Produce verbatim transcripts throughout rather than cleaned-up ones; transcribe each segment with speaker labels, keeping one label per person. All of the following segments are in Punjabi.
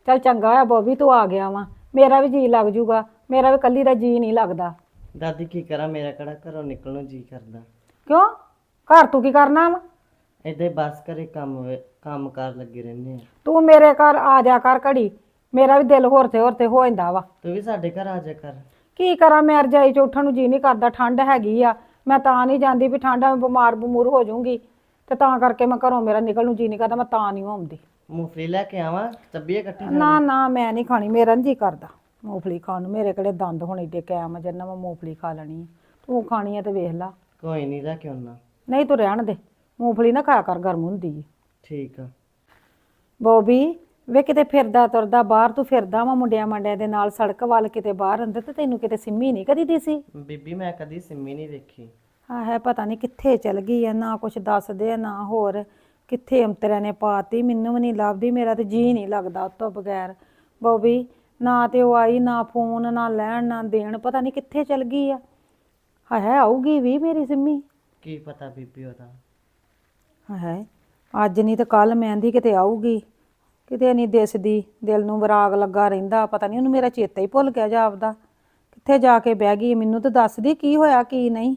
Speaker 1: ਚੱਲ ਚੰਗਾ ਹੋਇਆ ਬੋਬੀ ਤੂੰ ਆ ਗਿਆ ਵਾ, ਮੇਰਾ ਵੀ ਜੀ ਲੱਗ ਜੂਗਾ। ਮੇਰਾ ਵੀ ਕੱਲੀ ਦਾ ਜੀ ਨਹੀਂ ਲੱਗਦਾ।
Speaker 2: ਦਾਦੀ ਕੀ ਕਰਾਂ, ਮੇਰਾ ਕਿਹੜਾ ਘਰੋਂ ਨਿਕਲਣ ਨੂੰ ਜੀ ਕਰਦਾ।
Speaker 1: ਕਿਉਂ? ਘਰ ਤੂੰ ਕੀ ਕਰਨਾ ਵਾ?
Speaker 2: ਏਦਾਂ ਹੀ ਬਸ ਘਰੇ ਕੰਮ ਹੋਏ ਕੰਮ ਕਾਰ ਲੱਗੇ ਰਹਿੰਦੇ ਆ।
Speaker 1: ਤੂੰ ਮੇਰੇ ਘਰ ਆ ਜਾ ਕਰ ਘੜੀ, ਮੇਰਾ ਵੀ ਦਿਲ ਹੋਰ ਤੇ ਹੋਰ ਤੇ ਹੋ ਜਾਂਦਾ ਵਾ।
Speaker 2: ਤੂੰ ਵੀ ਸਾਡੇ ਘਰ ਆ ਜਾ ਕਰ।
Speaker 1: ਕੀ ਕਰਾਂ, ਮੈਂ ਰਜਾਈ ਚ ਉੱਠਣ ਨੂੰ ਜੀ ਨਹੀਂ ਕਰਦਾ, ਠੰਡ ਹੈਗੀ ਆ। ਮੈਂ ਤਾਂ ਨਹੀਂ ਜਾਂਦੀ ਵੀ ਠੰਡ ਆ, ਮੈਂ ਬਿਮਾਰ ਬਮੂਰ ਹੋ ਜਾਊਂਗੀ ਤੇ ਤਾਂ ਕਰਕੇ ਮੈਂ ਘਰੋਂ ਮੇਰਾ ਨਿਕਲ ਨੂੰ ਜੀ ਨਹੀਂ ਕਰਦਾ, ਮੈਂ ਤਾਂ ਨਹੀਂ ਆਉਂਦੀ।
Speaker 2: ਮੂੰਗਫਲੀ ਲੈ ਕੇ ਆਵਾਂ, ਚੱਬੀਏ ਇਕੱਠੀ
Speaker 1: ਨਾ ਨਾ ਮੈਂ ਨਹੀਂ ਖਾਣੀ, ਮੇਰਾ ਨਹੀਂ ਜੀ ਕਰਦਾ ਮੂੰਗਫਲੀ ਖਾਣ ਨੂੰ। ਮੇਰੇ ਕਿਹੜੇ ਦੰਦ ਹੁਣ ਏਡੇ ਕਾਇਮ ਆ ਜਿੰਨਾ ਮੈਂ ਮੂੰਗਫਲੀ ਖਾ ਲੈਣੀ ਆ। ਤੂੰ ਖਾਣੀ ਆ ਤੇ ਵੇਖ ਲਾ।
Speaker 2: ਕੋਈ ਨਹੀਂ ਲੈ ਕੇ ਆਉਣਾ।
Speaker 1: ਨਹੀਂ ਤੂੰ ਰਹਿਣ ਦੇ, ਮੂੰਗਫਲੀ ਨਾ ਖਾਇਆ ਕਰ, ਗਰਮ ਹੁੰਦੀ ਹੈ।
Speaker 2: ਠੀਕ ਆ।
Speaker 1: ਬੋਬੀ ਵੇ ਕਿਤੇ ਫਿਰਦਾ ਤੁਰਦਾ ਬਾਹਰ ਤੂੰ ਫਿਰਦਾ ਵਾ ਮੁੰਡਿਆਂ ਮੰਡਿਆਂ ਦੇ ਨਾਲ ਸੜਕ ਵੱਲ ਕਿਤੇ ਬਾਹਰ ਅੰਦਰ, ਤੇ ਤੈਨੂੰ ਕਿਤੇ ਸਿੰਮੀ ਨਹੀਂ ਕਦੀ ਦਿਸੀ?
Speaker 2: ਬੀਬੀ ਮੈਂ ਕਦੀ ਸਿੰਮੀ ਨਹੀਂ ਵੇਖੀ।
Speaker 1: ਆ ਹੈ ਪਤਾ ਨਹੀਂ ਕਿੱਥੇ ਚਲ ਗਈ ਆ, ਨਾ ਕੁਛ ਦੱਸਦੇ ਆ ਨਾ ਹੋਰ ਕਿੱਥੇ ਅੰਤਰਿਆਂ ਨੇ ਪਾਤੀ, ਮੈਨੂੰ ਵੀ ਨਹੀਂ ਲੱਭਦੀ। ਮੇਰਾ ਤੇ ਜੀ ਨਹੀਂ ਲੱਗਦਾ ਉਹ ਤੋਂ ਬਗੈਰ। ਬੋਬੀ ਨਾ ਤੇ ਉਹ ਆਈ, ਨਾ ਫੋਨ ਨਾ ਲੈਣ ਨਾ ਦੇਣ, ਪਤਾ ਨਹੀਂ ਕਿੱਥੇ ਚਲ ਗਈ ਆ। ਹਾਂ ਹੈ ਆਊਗੀ ਵੀ ਮੇਰੀ ਸਿੰਮੀ?
Speaker 2: ਕੀ ਪਤਾ ਬੀਬੀ ਉਹਦਾ।
Speaker 1: ਹੈ ਅੱਜ ਨਹੀਂ ਤੇ ਕੱਲ ਮਹਿੰਦੀ ਕਿਤੇ ਆਊਗੀ, ਕਿਤੇ ਨਹੀਂ ਦਿਸਦੀ। ਦਿਲ ਨੂੰ ਵਿਰਾਗ ਲੱਗਾ ਰਹਿੰਦਾ, ਪਤਾ ਨਹੀਂ ਉਹਨੂੰ ਮੇਰਾ ਚੇਤਾ ਹੀ ਭੁੱਲ ਗਿਆ ਜਾਪਦਾ। ਕਿੱਥੇ ਜਾ ਕੇ ਬਹਿ ਗਈ? ਮੈਨੂੰ ਤਾਂ ਦੱਸਦੀ ਕੀ ਹੋਇਆ ਕੀ ਨਹੀਂ।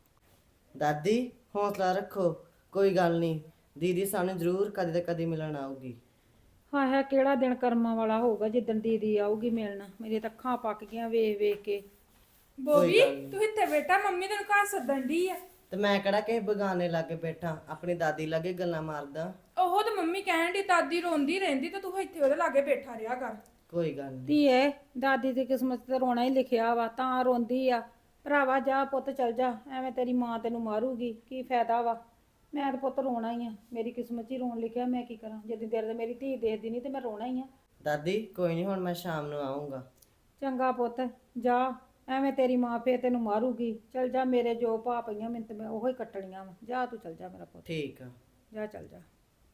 Speaker 2: ਦਾਦੀ ਹੌਸਲਾ ਰੱਖੋ, ਕੋਈ ਗੱਲ ਨਹੀਂ, ਦੀਦੀ ਸਾਨੂੰ ਜ਼ਰੂਰ ਕਦੇ ਤੇ ਕਦੇ ਮਿਲਣ ਆਊਗੀ।
Speaker 1: ਹਾਂ ਹੈ ਕਿਹੜਾ ਦਿਨ ਕਰਮਾਂ ਵਾਲਾ ਹੋਊਗਾ ਜਿੱਦਣ ਦੀਦੀ ਆਊਗੀ ਮਿਲਣ। ਮੇਰੀ ਤਾਂ ਅੱਖਾਂ ਪੱਕ ਗਈਆਂ ਵੇਖ ਵੇਖ ਕੇ।
Speaker 3: ਬੋਬੀ ਤੂੰ ਇੱਥੇ ਬੈਠਾ, ਮੰਮੀ ਤੈਨੂੰ ਘਰ ਸੱਦਣ ਦੀ ਆ।
Speaker 2: ਤੇ ਮੈਂ ਕਿਹੜਾ ਕਿਸੇ ਬਗਾਨੇ ਲਾਗੇ ਬੈਠਾ, ਆਪਣੀ ਦਾਦੀ ਲਾਗੇ ਗੱਲਾਂ ਮਾਰਦਾ।
Speaker 3: ਉਹ ਤੇ ਮੰਮੀ ਕਹਿਣ ਦੀ ਦਾਦੀ ਰੋਂਦੀ ਰਹਿੰਦੀ ਤੇ ਤੂੰ ਇੱਥੇ ਉਹਦੇ ਲਾਗੇ ਬੈਠਾ ਰਿਹਾ ਕਰ।
Speaker 2: ਕੋਈ ਗੱਲ ਨਹੀਂ
Speaker 1: ਧੀਏ ਦਾਦੀ ਦੀ ਕਿਸਮਤ ਤੇ ਰੋਣਾ ਹੀ ਲਿਖਿਆ ਵਾ, ਤਾਂ ਰੋਂਦੀ ਆ। ਭਰਾਵਾ ਜਾ ਪੁੱਤ ਚਲ ਜਾ, ਐਵੇਂ ਤੇਰੀ ਮਾਂ ਤੈਨੂੰ ਮਾਰੂਗੀ, ਕੀ ਫਾਇਦਾ ਵਾ। ਮੈਂ ਤਾਂ ਪੁੱਤ ਰੋਣਾ ਹੀ ਆ, ਮੇਰੀ ਕਿਸਮਤ 'ਚ ਹੀ ਰੋਣ ਲਿਖਿਆ, ਮੈਂ ਕੀ ਕਰਾਂ। ਜਿੱਦੀ ਦੇਰ ਤੇ ਮੇਰੀ ਧੀ ਦੇਖਦੀ ਨਹੀਂ ਤੇ ਮੈਂ ਰੋਣਾ ਹੀ ਆ।
Speaker 2: ਦਾਦੀ ਕੋਈ ਨਹੀਂ, ਹੁਣ ਮੈਂ ਸ਼ਾਮ ਨੂੰ ਆਉਂਗਾ।
Speaker 1: ਚੰਗਾ ਪੁੱਤ ਜਾ, ਐਵੇਂ ਤੇਰੀ ਮਾਂ ਫੇਰ ਤੈਨੂੰ ਮਾਰੂਗੀ। ਚਲ ਜਾ, ਮੇਰੇ ਜੋ ਭਾ ਪਈਆਂ ਮੈਨੂੰ ਤੇ ਮੈਂ ਉਹੋ ਹੀ ਕੱਟਣੀਆਂ ਵਾ। ਜਾ ਤੂੰ ਚਲ ਜਾ ਮੇਰਾ ਪੁੱਤ,
Speaker 2: ਠੀਕ ਆ।
Speaker 1: ਜਾ ਚਲ ਜਾ।